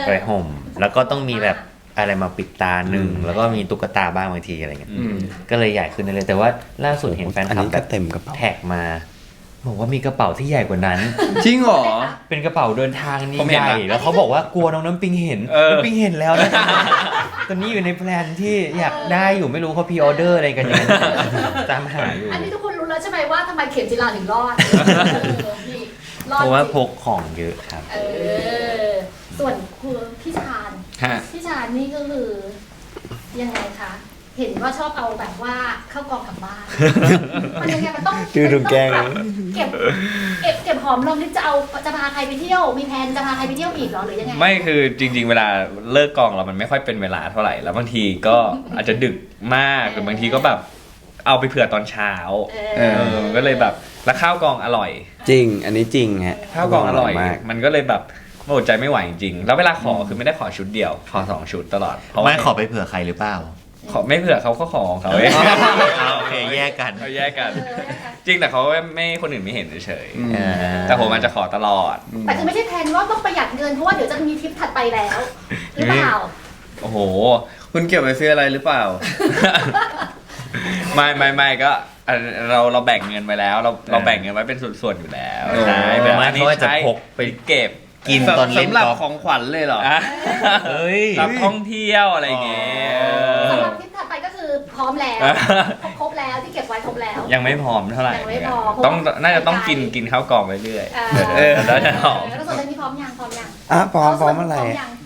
[SPEAKER 2] ไปห่ม แล้วก็ต้องมีแบบอะไรมาปิดตาหนึ่งแล้วก็มีตุ๊กตาบ้างบางทีอะไรเงี้ยก็เลยใหญ่ขึ้นเลยแต่ว่าล่าสุดเห็นแฟนคลับแบบ
[SPEAKER 4] เต็มกระเป๋า
[SPEAKER 2] แท็กมาบอกว่ามีกระเป๋าที่ใหญ่กว่านั้น
[SPEAKER 3] จริงเหรอ
[SPEAKER 2] เป็นกระเป๋าเดินทางนี่
[SPEAKER 5] ผมเห็
[SPEAKER 2] ให
[SPEAKER 5] น
[SPEAKER 2] ญ่
[SPEAKER 5] ละ
[SPEAKER 2] แล้วเขาบอกว่ากลัวน้องน้ำปิงเห็น
[SPEAKER 5] เออ
[SPEAKER 2] น้ำปิงเห็นแล้วนะ ตอนนี้อยู่ในแพลนที่อยากได้อยู่ไม่รู้เขาพรีออเดอร์อะไรกันยังตามหาอยู่
[SPEAKER 1] อันนี้ทุกคนรู้แล้วใช่ไหมว่าทำไมเข็มจิราถึงรอดเออนี่รอด
[SPEAKER 2] เพราะว่า
[SPEAKER 1] จง
[SPEAKER 2] พกของเยอะครับ
[SPEAKER 1] เออส่วนคือพี่ชาญ
[SPEAKER 5] ฮะ
[SPEAKER 1] พี่ชาญนี่ก็คือยังไงคะ เห็นว่าชอบเอาแบบว่าเข้ากองกลับบ้าน มันยังไงมันต้อง
[SPEAKER 4] ดูดูแกง
[SPEAKER 1] มันต้องเก็บเก็บเก็บหอมรอมริบจะเอาจะพาใครไปเที่ยว มีแผนจะพาใครไปเที่ยวอีกเหรอหรือยังไง
[SPEAKER 5] ไม่คือจริง ๆ เวลาเลิกกองเรามันไม่ค่อยเป็นเวลาเท่าไหร่แล้วบางทีก็อาจจะดึกมากหรือบางทีก็แบบเอาไปเผื่อตอนเช้า
[SPEAKER 1] เอ
[SPEAKER 3] เอ
[SPEAKER 5] เอ
[SPEAKER 1] อ
[SPEAKER 5] อก็เลยแบบแล้วข้าวกองอร่อย
[SPEAKER 4] จริง อันนี้จริงฮะ
[SPEAKER 5] ข้าวกล่องอร่อย
[SPEAKER 4] มาก
[SPEAKER 5] มันก็เลยแบบอดใจไม่ไหวจริงๆแล้วเวลาขอคือไม่ได้ขอชุดเดียว ขอสองชุดตลอดเพราะว่า
[SPEAKER 2] ไม่ขอไปเผื่อใครหรือเปล่า
[SPEAKER 5] ขอไม่เผื่อเขาก็ขอของเขาเอง
[SPEAKER 2] โอเคแยกกัน
[SPEAKER 5] เขาแยกกัน
[SPEAKER 1] เออนะคะ
[SPEAKER 5] จริงแต่เขาไม่คนอื่นไม่เห็นเฉย
[SPEAKER 3] อืม
[SPEAKER 2] เออ
[SPEAKER 5] ๆแต่ผมอาจจะขอตลอด
[SPEAKER 1] แต่คือไม่ใช่แผนว่าต้องประหยัดเงินเพราะว่าเดี๋ยวจะมีทริปถัดไปแล้ว หรือเปล่า
[SPEAKER 5] โอ้โห
[SPEAKER 3] คุณเก็บไปซื้ออะไรหรือเปล่า
[SPEAKER 5] ไม่ไม่ไม่ก็อ่ะเราเราแบ่งเงินไว้แล้ว เราเราแบ่งเงินไว้เป็นส่วนๆอยู่แล้ว
[SPEAKER 3] โอ้
[SPEAKER 5] ใช่แบบ
[SPEAKER 2] ไม่
[SPEAKER 5] อันนี้
[SPEAKER 2] เขาอาจจะ
[SPEAKER 5] ใช้
[SPEAKER 2] พกไป
[SPEAKER 5] เก็บ
[SPEAKER 2] กินตอนเล่น
[SPEAKER 3] สำหรับ
[SPEAKER 2] กอล์ฟ
[SPEAKER 3] ของขวัญเลยเหรอ
[SPEAKER 5] อ่ะ
[SPEAKER 2] เฮ้ย
[SPEAKER 5] รับท่องเที่ยวอะไรอย่างเงี้ย
[SPEAKER 1] สำหรับทริปถัดไปก็คือพร้อมแล้วครบแล้วที่เก็บไว้ครบแล้ว
[SPEAKER 5] ยังไม่พร้อมเท่าไหร่
[SPEAKER 1] ยังไม่พอ
[SPEAKER 5] ต้องน่าจะต้องกินกินข้าวกล่องเรื่อย
[SPEAKER 1] เอ
[SPEAKER 5] ๆเออแล้วจะหอม
[SPEAKER 1] แล้วส่วนเรื่องนี้พร้อมยังพร้อมยัง
[SPEAKER 4] อ่ะพร้อมพร้อมอะไร
[SPEAKER 1] พร้อม
[SPEAKER 4] อะ
[SPEAKER 1] ยัง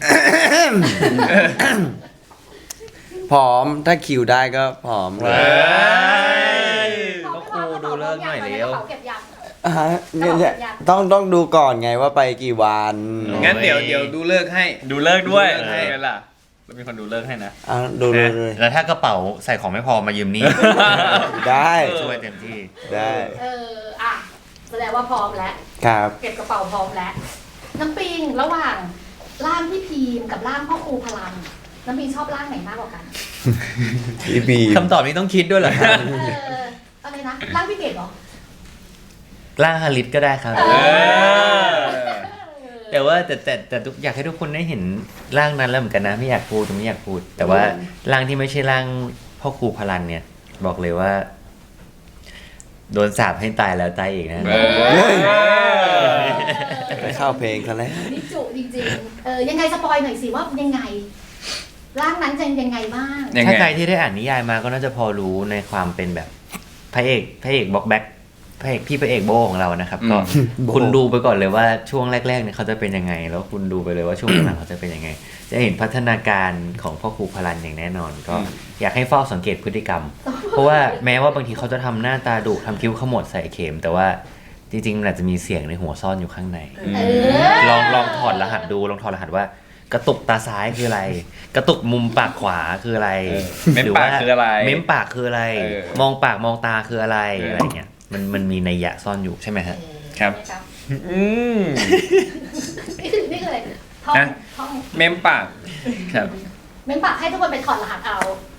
[SPEAKER 4] พร้อมถ้าคิวได้ก็พร้อมเล
[SPEAKER 5] เอย ้ย
[SPEAKER 2] ก็ครูดูเลิกหน่อยเร็ว
[SPEAKER 1] กระเป๋าเก็บยัง
[SPEAKER 4] อ่ะฮะเนี่ยเนี่ยต้องต้องดูก่อนไงว่าไปกี่วัน
[SPEAKER 3] งั้นเดี๋ยวเดี๋ยวดูเลิกให้
[SPEAKER 5] ดูเลิกด้วย
[SPEAKER 3] ดูเลิกให้
[SPEAKER 5] ให้กันล่ะแล้วมีคนดูเลิกให้นะ
[SPEAKER 4] อ่ะดูดูเลย
[SPEAKER 2] แล้วถ้ากระเป๋าใส่ของไม่พอมายืมนี่
[SPEAKER 4] ได้
[SPEAKER 2] ช่วยเต็มที่
[SPEAKER 4] ได้
[SPEAKER 1] เอออ่ะแสดงว่าพร้อมแล้ว
[SPEAKER 4] ครับ
[SPEAKER 1] เก็บกระเป๋าพร้อมแล้ว น้ำปิงระหว่างร่างพี่พีมกับร่างพ่อครูพลัง น้ำปิงชอบร่างไหนมากกว่ากัน
[SPEAKER 4] พี่บีม
[SPEAKER 2] คำตอบนี้ต้องคิดด้วยเหรอครับ
[SPEAKER 1] เอออะไรนะร่างพี่เกดเหรอ
[SPEAKER 2] ล่างฮาริสก็ได้ครับ
[SPEAKER 1] เออ
[SPEAKER 2] แต่ว่าแต่แต่แต่ทุกอยากให้ทุกคนได้เห็นร่างนั้นแล้วเหมือนกันนะ ไม่อยากพูดแต่ไม่อยากพูด แต่ว่าร่างที่ไม่ใช่ร่างพ่อครูพลันเนี่ย บอกเลยว่า โดนสาปให้ตายแล้วตายอีกนะ
[SPEAKER 5] เออ
[SPEAKER 4] ไปเข้าเพลงซะแล้ว
[SPEAKER 1] นี่จุจริงๆ เออยังไงสปอยหน่อยสิว่ายังไง ร่างนั้นจะยังไงบ้าง
[SPEAKER 3] ยังไง
[SPEAKER 2] ถ้าใครที่ได้อ่านนิยายมาก็น่าจะพอรู้ในความเป็นแบบพระเอกพระเอกบ็อกแบ็คพระเอกพี่พระเอกโบของเรานะครับ ก็
[SPEAKER 4] โบ
[SPEAKER 2] คุณดูไปก่อนเลยว่าช่วงแรกๆเนี่ยเขาจะเป็นยังไง แล้วคุณดูไปเลยว่าช่วงหลังเขาจะเป็นยังไง จะเห็นพัฒนาการของพ่อครูพลันอย่างแน่นอน ก็อยากให้เฝ้าสังเกตพฤติกรรม เพราะว่าแม้ว่าบางทีเขาจะทำหน้าตาดุทำคิ้วขมวดใส่เข็ม แต่ว่าจริงๆมันอาจจะมีเสียงในหัวซ่อนอยู่ข้างใน
[SPEAKER 1] เออ
[SPEAKER 2] ลองลองถอดรหัสดูลองถอดรหัสว่า กระตุกตาซ้ายคืออะไร กระตุกมุมปากขวาคืออะไร
[SPEAKER 5] เออเม้มปากคืออะไร
[SPEAKER 2] เม้มปากคืออะไร
[SPEAKER 5] เออ
[SPEAKER 2] มองปากมองตาคืออะไร
[SPEAKER 5] เอออ
[SPEAKER 2] อะไรเงี้ยมันมันมีนัยยะซ่อนอยู่ใช่ไหมฮะ
[SPEAKER 3] ครับ
[SPEAKER 5] อืม
[SPEAKER 1] นี่คือนี่คืออะไรท่อง
[SPEAKER 3] ฮะ
[SPEAKER 1] ท่อง
[SPEAKER 3] เมมปากครับ
[SPEAKER 1] เม้นปากให้ทุกคนไปถอดรหัสเอา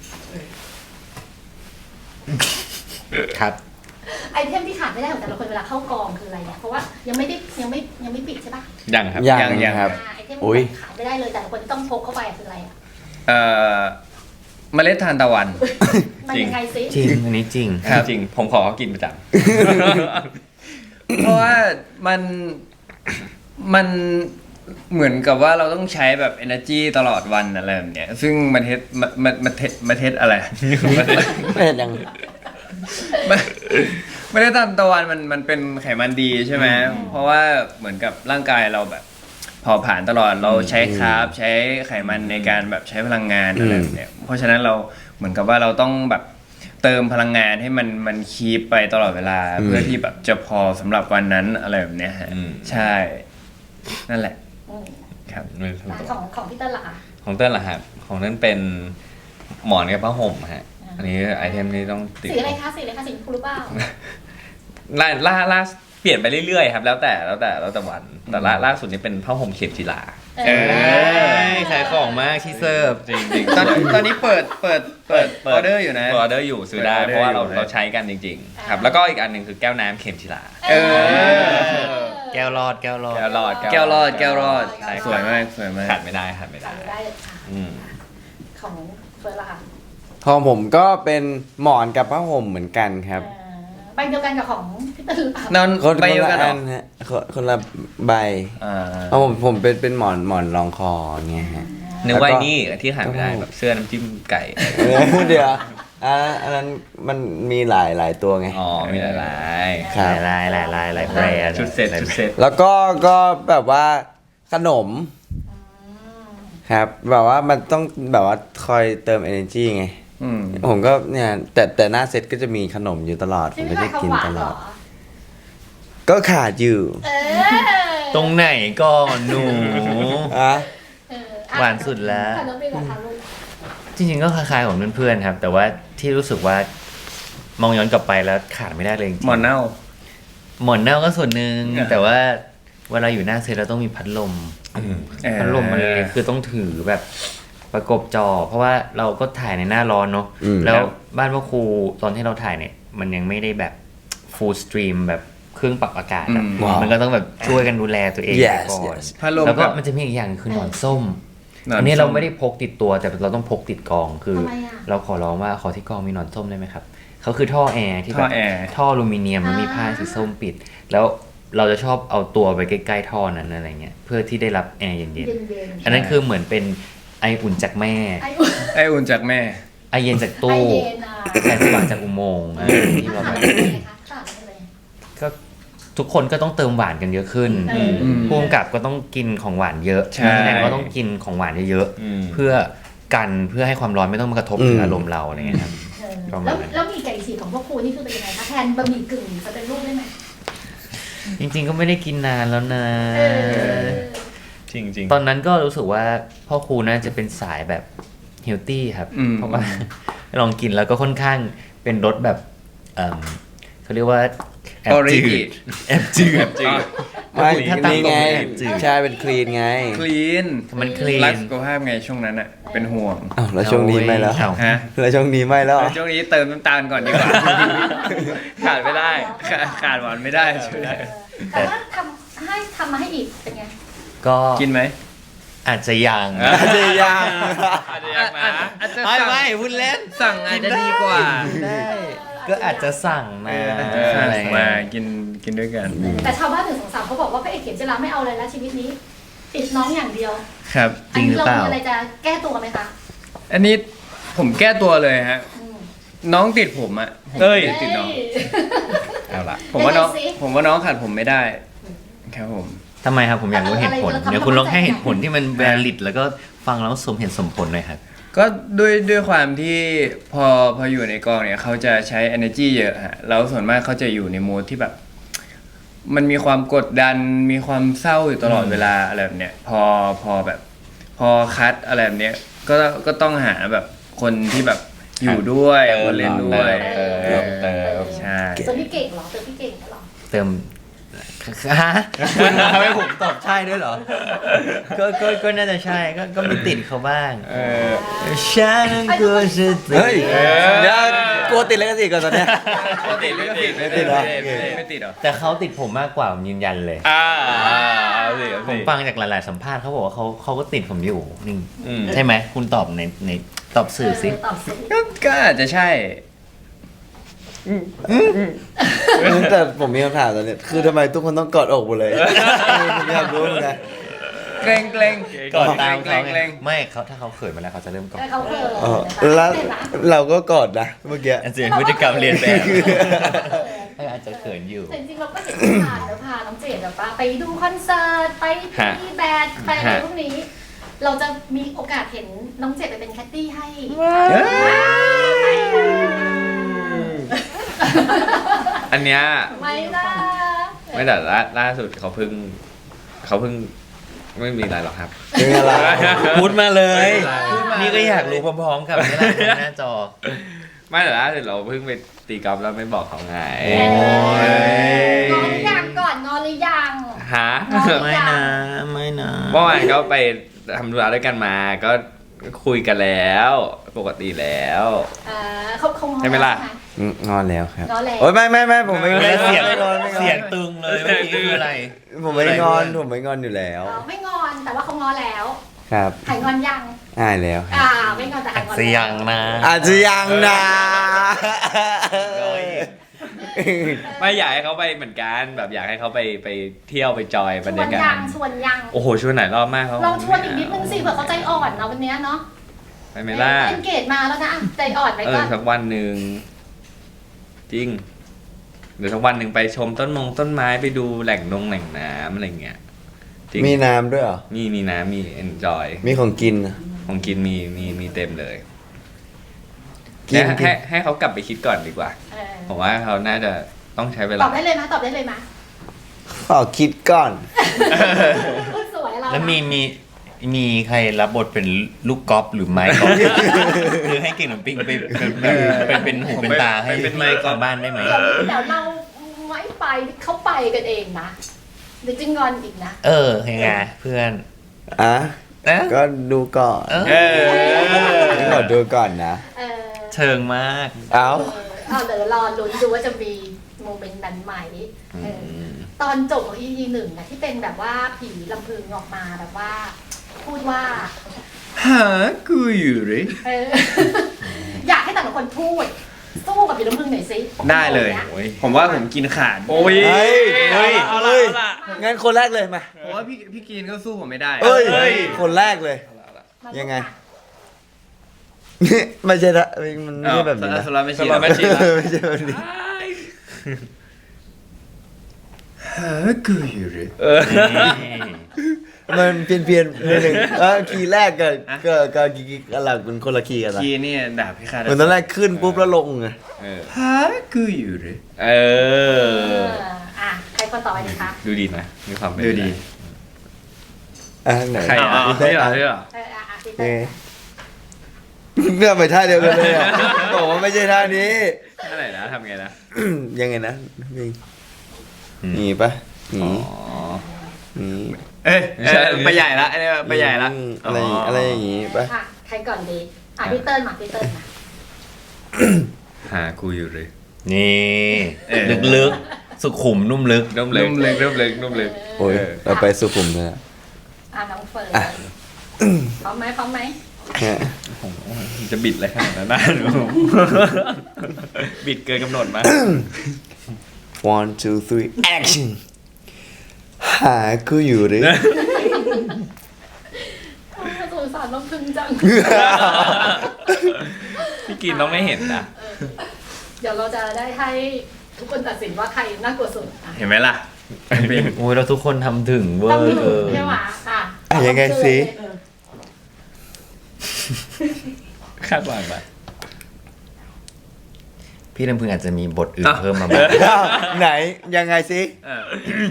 [SPEAKER 2] ครับ
[SPEAKER 1] ไอเทมที่ขาดไม่ได้ของแต่ละคนเวลาเข้ากองคืออะไรเนี่ยเพราะว่ายังไม่ได้ยังไม่ยังไม่ปิดใช่ปะ
[SPEAKER 5] ยังครับ
[SPEAKER 4] ยัง
[SPEAKER 3] ยังยัง
[SPEAKER 4] ครับ
[SPEAKER 1] อ่าไอเทม
[SPEAKER 4] อุ๊ย
[SPEAKER 1] ที่ขาดไม่ได้เลยแต่ละคนต้องพกเข้าไปคืออะไรอ่ะ
[SPEAKER 3] เอ่อเมล็ดทานตะวัน
[SPEAKER 1] มันยังไงซิ
[SPEAKER 2] จริงอันนี้จริง
[SPEAKER 3] ครับ
[SPEAKER 5] จริงผมขอเขากินประจ
[SPEAKER 3] เพราะว่ามันมันเหมือนกับว่าเราต้องใช้แบบ energy ตลอดวันอะไรแบบเนี้ยซึ่งมันเทศมันมันมันเทศมันเทศอะไร มันเทศ
[SPEAKER 4] ไม่เห็นยัง
[SPEAKER 3] มันไม่ได้ตามตะวันมันมันเป็นไขมันดีใช่ไหมเพราะว่าเหมือนกับร่างกายเราแบบเผาผลาญตลอดเราใช้คาร์บใช้ไขมันในการแบบใช้พลังงานอะไรแบบเนี้ยเพราะฉะนั้นเราเหมือนกับว่าเราต้องแบบเติมพลังงานให้มันมันคีปไปตลอดเวลา เพื่อที่แบบจะพอสำหรับวันนั้นอะไรแบบเนี้ยฮะ
[SPEAKER 5] อืม
[SPEAKER 3] ใช่ นั่นแหละ
[SPEAKER 1] อืม
[SPEAKER 3] ครับ
[SPEAKER 5] ำไม่รู้
[SPEAKER 1] อ่ะ
[SPEAKER 5] ตัว
[SPEAKER 1] ของของพี่เติ้ลล่ะคะ
[SPEAKER 5] ของเต้นล่ะครับของเต้นเป็นหมอนกับผ้าห่มฮะ
[SPEAKER 1] อ่า
[SPEAKER 5] อันนี้ไอเทมนี้ต้องติด
[SPEAKER 1] สีอะไรคะสีอะไรคะสีชมพูหรือเปล่า
[SPEAKER 5] ล่าล่าล่าเปลี่ยนไปเรื่อยๆครับ แล้วแต่แล้วแต่แล้วแต่วันแต่ล่าล่าสุดนี้เป็นผ้าห่มเข็มจีลา
[SPEAKER 1] เอ
[SPEAKER 3] เอ
[SPEAKER 1] อ
[SPEAKER 2] ขายของมากที่เซิร์ฟ
[SPEAKER 5] จริงจริง
[SPEAKER 3] ตอนตอนนี้เปิดเปิดเปิดออเดอร์อยู่นะ
[SPEAKER 5] ออเดอร์อยู่ซื้อได้
[SPEAKER 3] เปิดออเดอร์
[SPEAKER 5] เพราะว่าเรา
[SPEAKER 3] อยู่นะ
[SPEAKER 5] เราใช้กันจริงๆ ครับแล้วก็อีกอันหนึ่งคือแก้วน้ำเข็มจีลา
[SPEAKER 1] เออ
[SPEAKER 3] เออ
[SPEAKER 2] แก้วรอดแก้วรอด
[SPEAKER 5] แก้วรอด
[SPEAKER 3] แก้วรอดแก้วรอด
[SPEAKER 1] ใช่
[SPEAKER 3] สวยมากสวยมาก
[SPEAKER 5] ขาดไม่ได้ขาดไม่ได้
[SPEAKER 1] จำได้เลยค่ะ
[SPEAKER 5] อืม
[SPEAKER 1] ของเฟิร์สละค่ะ
[SPEAKER 4] ของผมก็เป็นหมอนกับผ้าห่มเหมือนกันครับ
[SPEAKER 1] เออใบเดียวกันกับของพี่ตื่นหรือเปล่า
[SPEAKER 3] นอน
[SPEAKER 4] คน
[SPEAKER 3] ไป
[SPEAKER 4] คน
[SPEAKER 3] เดียว
[SPEAKER 4] ละ
[SPEAKER 3] กันเหร
[SPEAKER 4] อั
[SPEAKER 3] อน
[SPEAKER 4] ฮะคนคนละใบ
[SPEAKER 3] อ่า
[SPEAKER 4] เอาผมผมเป็นเป็นหมอนหมอนรองคออย่างเงี้ยฮะ
[SPEAKER 5] นึกว่า
[SPEAKER 4] แล้วก็
[SPEAKER 5] นี่ที่ขาดไม่ได้แบบเสื้อน้ำจิ้มไก่
[SPEAKER 4] เออเดี๋ยวอันนั้นอันนั้นมันมีหลายหลายตัวไง
[SPEAKER 5] อ๋อมีหลาย
[SPEAKER 4] ครับ
[SPEAKER 2] หลายหลายหลายหลายแบรนด์
[SPEAKER 5] ชุดเซ็ตชุดเซ็ต
[SPEAKER 4] แล้วก็ก็แบบว่าขนมครับ แบบว่ามันต้องแบบว่าคอยเติม energy ไง
[SPEAKER 3] อืม
[SPEAKER 4] ผมก็เนี่ยแต่แต่หน้าเซตก็จะมีขนมอยู่ตลอด ผ
[SPEAKER 1] ที่
[SPEAKER 4] ม
[SPEAKER 1] ไม่
[SPEAKER 4] ก็
[SPEAKER 1] ใช่
[SPEAKER 4] จะ
[SPEAKER 1] ข้าว
[SPEAKER 4] กิน
[SPEAKER 1] หวา
[SPEAKER 4] ต
[SPEAKER 1] น
[SPEAKER 4] ล
[SPEAKER 1] เหร
[SPEAKER 4] อ
[SPEAKER 1] อ
[SPEAKER 4] ด ก็ขาดอยู่
[SPEAKER 1] เออ
[SPEAKER 2] ตรงไหนก่อนหนู
[SPEAKER 4] อ่ะ
[SPEAKER 1] เอออ่ะ
[SPEAKER 2] หวานสุดแล้ว
[SPEAKER 1] ขนมเป็นกับทาลูก
[SPEAKER 2] จริงๆก็คล้ายๆของเพื่อนๆครับ แต่ว่าที่รู้สึกว่ามองย้อนกลับไปแล้วขาดไม่ได้เลยจริงๆ
[SPEAKER 3] หมอนเน่า
[SPEAKER 2] หมอนเน่าก็ส่วนหนึ่ง
[SPEAKER 3] อ่า
[SPEAKER 2] แต่ว่าเวลาอยู่หน้าเซตเราต้องมีพัดลม
[SPEAKER 3] เออ
[SPEAKER 2] พัดลมมันเลยคือต้องถือแบบประกบจอ เพราะว่าเราก็ถ่ายในหน้าร้อนเนาะ
[SPEAKER 4] อืม
[SPEAKER 2] แล้วบ้านพ่อครูตอนที่เราถ่ายเนี่ย มันยังไม่ได้แบบ full stream แบบเครื่องปรับอากาศอะ
[SPEAKER 3] อืม
[SPEAKER 4] ว้าว
[SPEAKER 2] มันก็ต้องแบบช่วยกันดูแลตัวเอง
[SPEAKER 4] yes
[SPEAKER 2] ก่อน
[SPEAKER 4] yes
[SPEAKER 3] พัดลม
[SPEAKER 2] แล้วก็
[SPEAKER 3] กับ
[SPEAKER 2] มันจะมีอีกอย่างคือหนอนส้ม
[SPEAKER 3] หนอน
[SPEAKER 2] อันนี้เรา
[SPEAKER 3] ส้ม
[SPEAKER 2] ไม่ได้พกติดตัวแต่เราต้องพกติดกองคือ
[SPEAKER 1] ทำไมอ่ะ
[SPEAKER 2] เราขอร้องว่าขอที่กองมีหนอนส้มได้ไหมครับเขาคือท่อแอร์ที่
[SPEAKER 3] ท่
[SPEAKER 2] แบ
[SPEAKER 3] อบ แอร์
[SPEAKER 2] ท่ออลูมิเนียมแล้วมีผ้าสีส้มปิด แล้วเราจะชอบเอาตัวไปใกล้ๆท่อนั้นอะไรเงี้ยเพื่อที่ได้รับแอร์เย็น
[SPEAKER 1] เย็นๆ
[SPEAKER 2] ๆอันนั้นคือเหมือนเป็นไออุ่นจากแม่
[SPEAKER 1] ไออุ่น
[SPEAKER 3] ไออุ่นจากแม่
[SPEAKER 2] ไอเย็นจาก
[SPEAKER 1] ไอ
[SPEAKER 2] ตู้
[SPEAKER 1] เย็นอ่ะ
[SPEAKER 2] แสงสว่างจากอุโมงค์อ่ะที่เราแบบ
[SPEAKER 1] ต่างกันยังไงคะต่างกันยังไง
[SPEAKER 2] ก็ทุกคนก็ต้องเติมหวานกันเยอะขึ้น
[SPEAKER 1] เออ
[SPEAKER 3] ม
[SPEAKER 2] ผู้กำกับก็ต้องกินของหวานเยอะ
[SPEAKER 3] ใช่
[SPEAKER 2] นักแสดงก็ต้องกินของหวานเยอะ
[SPEAKER 5] อืม
[SPEAKER 2] ๆเพื่อกันเพื่อให้ความร้อนไม่ต้องมากระทบถึงอารมณ์เราอะไรเงี้ยครับ
[SPEAKER 1] เออ
[SPEAKER 2] ประมา
[SPEAKER 1] แล้ว
[SPEAKER 2] ณนั้น
[SPEAKER 1] แล้วมีไก่ฉีกของพวกครูนี่คือเป็นยังไงคะแทนบะหมี่กึ่งสำเร็จรูปได้ไหม
[SPEAKER 2] จริงๆก็ไม่ได้กินนานแล้วนะ
[SPEAKER 1] เออ
[SPEAKER 5] จริงจริง
[SPEAKER 2] ตอนนั้นก็รู้สึกว่าพ่อครูน่าจะเป็นสายแบบเฮลตี้ครับ
[SPEAKER 3] อืม
[SPEAKER 2] เพราะว่า ลองกินแล้วก็ค่อนข้างเป็นรสแบบเอิ่มเขาเรียกว่าแอบจื
[SPEAKER 3] Origi
[SPEAKER 2] ดแอบจืด
[SPEAKER 5] จริง
[SPEAKER 4] ไม่
[SPEAKER 2] ถ้าตาม
[SPEAKER 4] นี่ไง
[SPEAKER 2] ตรงเนี่ย
[SPEAKER 4] ใช่เป็นคลีนไง
[SPEAKER 3] คลีน
[SPEAKER 2] มันคลี
[SPEAKER 3] รัก
[SPEAKER 2] น
[SPEAKER 3] สุขภาพไงช่วงนั้นอะเป็นห่วง
[SPEAKER 4] อ้าวแล้วช่วงนี้ไม่แล้ว
[SPEAKER 2] เอา
[SPEAKER 3] ฮะ
[SPEAKER 4] แล้วช่วงนี้ไม่แล้วเหรอ
[SPEAKER 3] ช่วงนี้เติมน้ำตาลก่อนดีกว่า
[SPEAKER 5] ขาดไม่ได้
[SPEAKER 3] ขาดขาดหวานไม่ได้ช่วย
[SPEAKER 1] เออแต่ว่าทำให้ทำมาให้อีกเป็นไง
[SPEAKER 2] ก็
[SPEAKER 3] กินไหม
[SPEAKER 2] อาจจะยัง
[SPEAKER 4] อาจจะยัง
[SPEAKER 5] อาจจะยังนะ
[SPEAKER 3] อาจจะ
[SPEAKER 2] ไม่
[SPEAKER 3] สั่ง
[SPEAKER 2] ไม่พูดเล่น
[SPEAKER 3] สั่งอาจจะดีกว่า
[SPEAKER 2] ได้ก็อาจจะสั่งนะ
[SPEAKER 3] เออ
[SPEAKER 2] อะไร
[SPEAKER 3] สั่ง
[SPEAKER 2] เงี้
[SPEAKER 3] มาย กินกินด้วยกัน
[SPEAKER 1] แต่ชาวบ้านหนึ่งสองสามเขาบอกว่าพระเอกเข็มจิราไม่เอาอะไรแล้วชีวิตนี้ ติดน้องอย่างเดียว
[SPEAKER 3] ครับ
[SPEAKER 2] จริงหรือเปล่า
[SPEAKER 1] นนี้มีอะไรจะแก้ตัวไหมคะ
[SPEAKER 3] อันนี้ผมแก้ตัวเลยฮะ
[SPEAKER 1] อืม
[SPEAKER 3] น้องติดผมอะผม
[SPEAKER 5] เอ้ย
[SPEAKER 3] ติดน้อง
[SPEAKER 5] เอาละ
[SPEAKER 3] ผมว่าน้อง
[SPEAKER 1] ยังไงสิ
[SPEAKER 3] ผมว่าน้องขาดผมไม่ได้ ครับผม
[SPEAKER 2] ทำไมครับผมอยากรู้เหตุผล
[SPEAKER 1] อะไรเราทำ
[SPEAKER 2] เดี๋ยวคุณลองให้
[SPEAKER 1] ความเข้าใจ
[SPEAKER 2] เหตุผลที่มัน valid แล้วก็ฟังแล้วสมเหตุสมผลหน่อยครับ
[SPEAKER 3] ก็ด้วยด้วยความที่พอพออยู่ในกองเนี่ยเขาจะใช้ energy เยอะฮะแล้วส่วนมากเขาจะอยู่ในโหมดที่แบบ มันมีความกดดันมีความเศร้าอยู่ตลอดเวลาอะไรแบบเนี้ยพอพอแบบ พอคัดอะไรแบบเนี้ยก็ก็ต้องหาแบบคนที่แบบอยู่ด้วย
[SPEAKER 5] เติม
[SPEAKER 3] คนเล่นด้วย
[SPEAKER 5] เติม
[SPEAKER 3] เออ
[SPEAKER 5] เติม
[SPEAKER 3] ใช่
[SPEAKER 1] เติมพี่เก่งเหรอเติมพี่เก่งเหรอ
[SPEAKER 2] เติมฮะคุณทำให้ผมตอบใช่ด้วยเหรอ ก็ก็ก็น่าจะใช่ก็ก็มีติดเขาบ้าง
[SPEAKER 3] เออ
[SPEAKER 2] ฉันกลัวจะติด
[SPEAKER 4] เฮ้ยเดี๋ยวกลัวติดแล้วก็ติดก่อนตอนเนี้ย
[SPEAKER 3] ไม่ติดไม่ติด
[SPEAKER 4] ไม่ติดเหรอ
[SPEAKER 3] ไม่ติดเหรอ
[SPEAKER 2] แต่เขาติดผมมากกว่าผมยืนยันเลย
[SPEAKER 5] อ่าเอาสิเอา
[SPEAKER 2] ผ
[SPEAKER 5] สิ
[SPEAKER 2] มฟังจากหลาย ๆ สัมภาษณ์เขาบอกว่าเขาเขาก็ติดผมอยู่นี่
[SPEAKER 5] อืม
[SPEAKER 2] ใช่ไหมคุณตอบในในตอบสื่อสิ
[SPEAKER 1] เตอบสิ
[SPEAKER 3] ก็ก็อาจจะใช่
[SPEAKER 4] แต่ผมมีคำถามตอนเนี้ยคือทำไมทุกคนต้องกอดอกหมดเลยผมอยากรู้เหมือนกัน
[SPEAKER 3] เกรงเกรง
[SPEAKER 2] ก่อนตาม
[SPEAKER 3] เกร
[SPEAKER 2] เขา
[SPEAKER 3] ง
[SPEAKER 2] ไง
[SPEAKER 3] เกรง
[SPEAKER 2] ไม่เขาถ้าเขาเขินมาแล้วเขาจะเริ่มก่อน
[SPEAKER 1] แต่เขาเออ
[SPEAKER 4] เออแล้วเราก็กอดนะเมื่อกี้
[SPEAKER 2] อาจจะเป็นพฤติกรรมเรียนแบบอาจจะเขินอยู่
[SPEAKER 1] แต่จริงๆเราก็เห็นที่ผ่านแล้วพาน้องเจดแบบว่าไปดูคอนเสิร์ตไปตีแบดไปอะไรพวกนี้ เราจะมีโอกาสเห็นน้องเจดไปเป็นแคตตี้ให้
[SPEAKER 5] อันเนี้ย
[SPEAKER 1] ไม่ล่ะ
[SPEAKER 5] ไม่แต่ล่าล่าสุดเขาเพิ่งเขาเพิ่งไม่มีอะไรหรอกครับ
[SPEAKER 4] เป็นอะไร
[SPEAKER 2] พูดมาเลย
[SPEAKER 3] พูดมานี่
[SPEAKER 2] นี่ก็อยากรู้พร้อมๆกับนี่แหละหน้าจอ
[SPEAKER 5] ไม่แต่ล่าสุดเราเพิ่งไปตีกอล์ฟแล้วไม่บอกเขาไง
[SPEAKER 2] โอ้ย
[SPEAKER 1] งอนหรือยังก่อนงอนหรือยัง
[SPEAKER 5] ฮะ
[SPEAKER 2] ไม่นะไม่นะ
[SPEAKER 5] เมื่อวานก็ไปทำธุระด้วยกันมาก็คุยกันแล้วปกติแล้ว
[SPEAKER 1] เออเขาคง
[SPEAKER 5] ใช่ไหมล่ะ
[SPEAKER 4] อืมงอนแล้วครับ
[SPEAKER 1] งอนแล้ว
[SPEAKER 4] โอ้ยไม่ไม่ไม่ผมไม่งอน
[SPEAKER 2] เสียง
[SPEAKER 4] ไม่งอนไม่งอน
[SPEAKER 2] เสียงตึงเลยเมื่อกี้คืออะไร
[SPEAKER 4] ผมไม่งอนผมไม่งอนอยู่แล้ว
[SPEAKER 1] อ๋อไม่งอนแต่ว่าเขางอแล้ว
[SPEAKER 4] ครับ
[SPEAKER 1] หายงอนยัง
[SPEAKER 4] อ่ายแล้วครับ
[SPEAKER 1] อ่าไม่งอนแต่หายงอน
[SPEAKER 2] เสียงนะ
[SPEAKER 4] อาจจะยังนะ
[SPEAKER 5] ไม่อยากให้เขาไปเหมือนกันแบบอยากให้เขาไปไปเที่ยวไปจอย
[SPEAKER 1] ช
[SPEAKER 5] บรร
[SPEAKER 1] วย
[SPEAKER 5] าน กา
[SPEAKER 1] ยั
[SPEAKER 5] ศ
[SPEAKER 1] งชวนยัง
[SPEAKER 5] โอ้โหชวนไหนรอบมากเขา
[SPEAKER 1] ลองชวนอีกนิดนึงสิเผื่อเขาใจอ่อนเนาะวันเนี้ยเนาะ
[SPEAKER 5] ไปไหมล่ะ
[SPEAKER 1] เอ็นเกจมาแล้วนะอ่ะใจอ่อนไป
[SPEAKER 5] เอ
[SPEAKER 1] ก่
[SPEAKER 5] อ
[SPEAKER 1] อน
[SPEAKER 5] สักวันหนึ่งจริงเดี๋ยวสักวันหนึ่งไปชมต้นมงต้นไม้ไปดูแหล่งนงแหล่งน้ำอะไรเงี้ยจริง
[SPEAKER 4] มีน้ำด้วยเหรอ
[SPEAKER 5] มีมีน้ำมี enjoy
[SPEAKER 4] มีของกินนะ
[SPEAKER 5] ของกินมีมีมีเต็มเลย
[SPEAKER 4] กิน
[SPEAKER 5] ให้
[SPEAKER 4] กิ
[SPEAKER 5] ให้
[SPEAKER 4] น
[SPEAKER 5] ให้เขากลับไปคิดก่อนดีกว่า
[SPEAKER 1] เออ
[SPEAKER 5] ผมว่าเขาน่าจะต้องใช้เว
[SPEAKER 1] ต
[SPEAKER 5] ลา
[SPEAKER 1] อบได้เลยไหมตอบได้เลยไหม
[SPEAKER 4] ขอคิดก่อน
[SPEAKER 1] พูดสวยเรา
[SPEAKER 2] แล้วมีมีมีใครรับบทเป็นลูกกอล์ฟหรือไม้กอล์ฟ หรือให้เก่งหนุ่มปิ้งไปเป็นเป็นเป็นหูเป็นตาให้
[SPEAKER 5] เป็นไมค์กอล์ฟ
[SPEAKER 2] ทางบ้านได้ไหม
[SPEAKER 1] เดี๋ยวเดี๋ยวเราไม่ไปเขาไปกันเองนะเดี๋ยวจะงอนอีกนะ
[SPEAKER 2] เออยังไงเพื่อน
[SPEAKER 4] อ่ะ
[SPEAKER 2] นะ
[SPEAKER 4] ก็ดูก่อน
[SPEAKER 2] เออ
[SPEAKER 5] เออ
[SPEAKER 4] ขอดูก่อนนะ
[SPEAKER 1] เออ
[SPEAKER 2] เชิงมาก
[SPEAKER 4] เอ้า
[SPEAKER 1] เออเอาเดี๋ยวรอลุ้นดูว่าจะมีโมเมนต์นั้นไหมเออตอนจบของ อี พี หนึ่งนะที่เป็นแบบว่าผีลำพึงออกมาแบบว่า พูดว่า
[SPEAKER 3] หากูอยู่หรือ
[SPEAKER 1] เออ อยากให้แต่ละคนพูด สู้กับผีลำพึงหน่อยสิ
[SPEAKER 3] ได้เลย
[SPEAKER 5] โอ้ย
[SPEAKER 3] ผมว่าผมกินขาด
[SPEAKER 5] โอ้ย
[SPEAKER 4] เฮ้ย
[SPEAKER 5] เฮ้ยเอาละเอาละ
[SPEAKER 4] งั้นคนแรกเลยมา
[SPEAKER 3] ผมว่าพี่พี่กินก็สู้ผมไม่ได้
[SPEAKER 4] เอ้ย
[SPEAKER 5] เอ้ย
[SPEAKER 4] คนแรกเลย ยังไง ไม่ใช่ละมันไม่
[SPEAKER 3] อ้าว
[SPEAKER 4] ใช่แบบนี้นะ
[SPEAKER 3] สลับไม่
[SPEAKER 5] ส
[SPEAKER 3] ใช่
[SPEAKER 5] ลับไม่ใช่
[SPEAKER 4] ไม่ใช่แบบนี้
[SPEAKER 3] หากูอยู่หรือ
[SPEAKER 5] เออ
[SPEAKER 4] มันเปลี่ยนเปลี่ยนๆนิดนึงเออคีย์แรกกับกับกับคีย์อะไรมันคนละคีย์กันละ
[SPEAKER 3] กีเนี่ยดาบพิฆาต
[SPEAKER 4] เหมือนตอนแรกขึ้นปุ๊บแล้วลงไง
[SPEAKER 5] เออ
[SPEAKER 3] หากูอยู่หรือ
[SPEAKER 5] เอ
[SPEAKER 1] เอ
[SPEAKER 5] อ
[SPEAKER 1] ออ่ะใครคนต่อไปดีคะ
[SPEAKER 5] ดูดีนะมีความเป็น
[SPEAKER 3] ดูดี
[SPEAKER 4] อ่ะไหน
[SPEAKER 5] ใครอ่ะ
[SPEAKER 4] พี่
[SPEAKER 5] นี่
[SPEAKER 4] เต้
[SPEAKER 5] เหรอ
[SPEAKER 4] อ่ะ
[SPEAKER 5] นี่เหรอ
[SPEAKER 1] เอออ่ะอ่ะพี่
[SPEAKER 4] เอ
[SPEAKER 1] เต้
[SPEAKER 4] อเงื่อนไปท่าเดียวกันเลยอ่ะบอกว่าไม่ใช่ท่านี้
[SPEAKER 5] นั่นไหนนะทำไงนะ
[SPEAKER 4] ยังไงนะนี่
[SPEAKER 2] อืม
[SPEAKER 4] หนีปะหนี
[SPEAKER 5] อ๋อ
[SPEAKER 4] หนี
[SPEAKER 3] เอ้ยเอ้ยไปใหญ่ละไอ้เนี่ยไปใหญ่ละ
[SPEAKER 4] อืมอะไรอะไรอย่างงี้ปะ
[SPEAKER 1] อ่ะใครก่อนดีอ่ะพี่เติ้ลมาพี่เติ้ลมา
[SPEAKER 5] หากูอยู่เลย
[SPEAKER 2] นี่
[SPEAKER 3] เออ
[SPEAKER 2] ลึกๆ สุขุมนุ่มลึก
[SPEAKER 5] นุ่มเล็กนุ่มเล็กนุ่มเล็กนุ่มเล็ก
[SPEAKER 4] โอ้ยเราไปสุขุมเลยอะ
[SPEAKER 1] อ่ะน้องเฟิร์น
[SPEAKER 4] อ่ะ
[SPEAKER 1] พร้อมไหมพร้อมไหม
[SPEAKER 4] เนี่ย
[SPEAKER 5] จะบิดอะไรขนาดนั้นนะหนู บิดเกินกำหนดมา
[SPEAKER 4] one two three action หากูอยู่หรือ
[SPEAKER 1] โอ้สงสารน้องพึงจัง
[SPEAKER 5] พี่กินต้องไม่เห็นนะ
[SPEAKER 1] เดี๋ยวเราจะได้ให้ทุกคนตัดสินว่าใครน่ากลัวสุดอ่ะ
[SPEAKER 3] เห็นไหมล่ะ
[SPEAKER 2] ๆโอ้ยเราทุกคนทำถึงเวอ
[SPEAKER 1] ต้อง
[SPEAKER 2] ร์
[SPEAKER 1] มี
[SPEAKER 2] เออ
[SPEAKER 1] ใช่ไหมอ่ะ
[SPEAKER 4] อ่ะยังไงสิ
[SPEAKER 1] เออ
[SPEAKER 5] คาดหวังปะ
[SPEAKER 2] พี่ลำพึงอาจจะมีบทอื่น
[SPEAKER 5] อ่ะ
[SPEAKER 2] เพิ่มมาบ้าง
[SPEAKER 4] อ้าวไหนยังไงสิ
[SPEAKER 3] เออ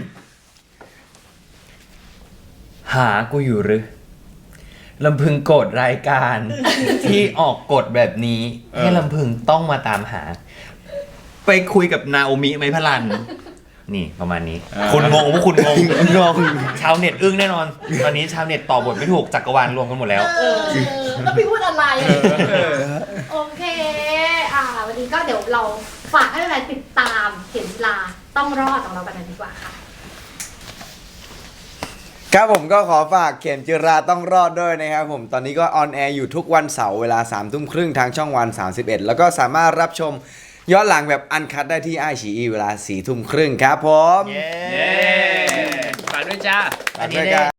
[SPEAKER 2] หากูอยู่หรือลำพึงโกรธรายการ ที่ออกกฎแบบนี้ ให้ลำพึงต้องมาตามหา ไปคุยกับนาโอมิไหมพลัน นี่ประมาณนี้ คุณงงพวกคุณงง
[SPEAKER 4] งง
[SPEAKER 2] ชาวเน็ตอึ้งแน่นอน ตอนนี้ชาวเน็ตต่อบทไม่ถูกจักรวาลรวมกันหมดแล้ว
[SPEAKER 1] เออแล้วพี่พูดอะไรโอเค อ่า วันนี้ก็เดี๋ยวเราฝากให้แฟนๆติดตามเข็มจีลาต้องรอดของเรากันดีกว่าค่ะ
[SPEAKER 4] ครับผมก็ขอฝากเข็มจิราต้องรอดด้วยนะครับผมตอนนี้ก็ออนแอร์อยู่ทุกวันเสาร์เวลาสามทุ่มครึ่งทางช่องวันสามสิบเอ็ดแล้วก็สามารถรับชมย้อนหลังแบบอันคัดได้ที่ไอชีอีเวลาสี่ทุ่มครึ่งครับผม
[SPEAKER 2] เย้
[SPEAKER 3] เย้ฝากด้วยจ้า
[SPEAKER 4] ฝากด้วยกัน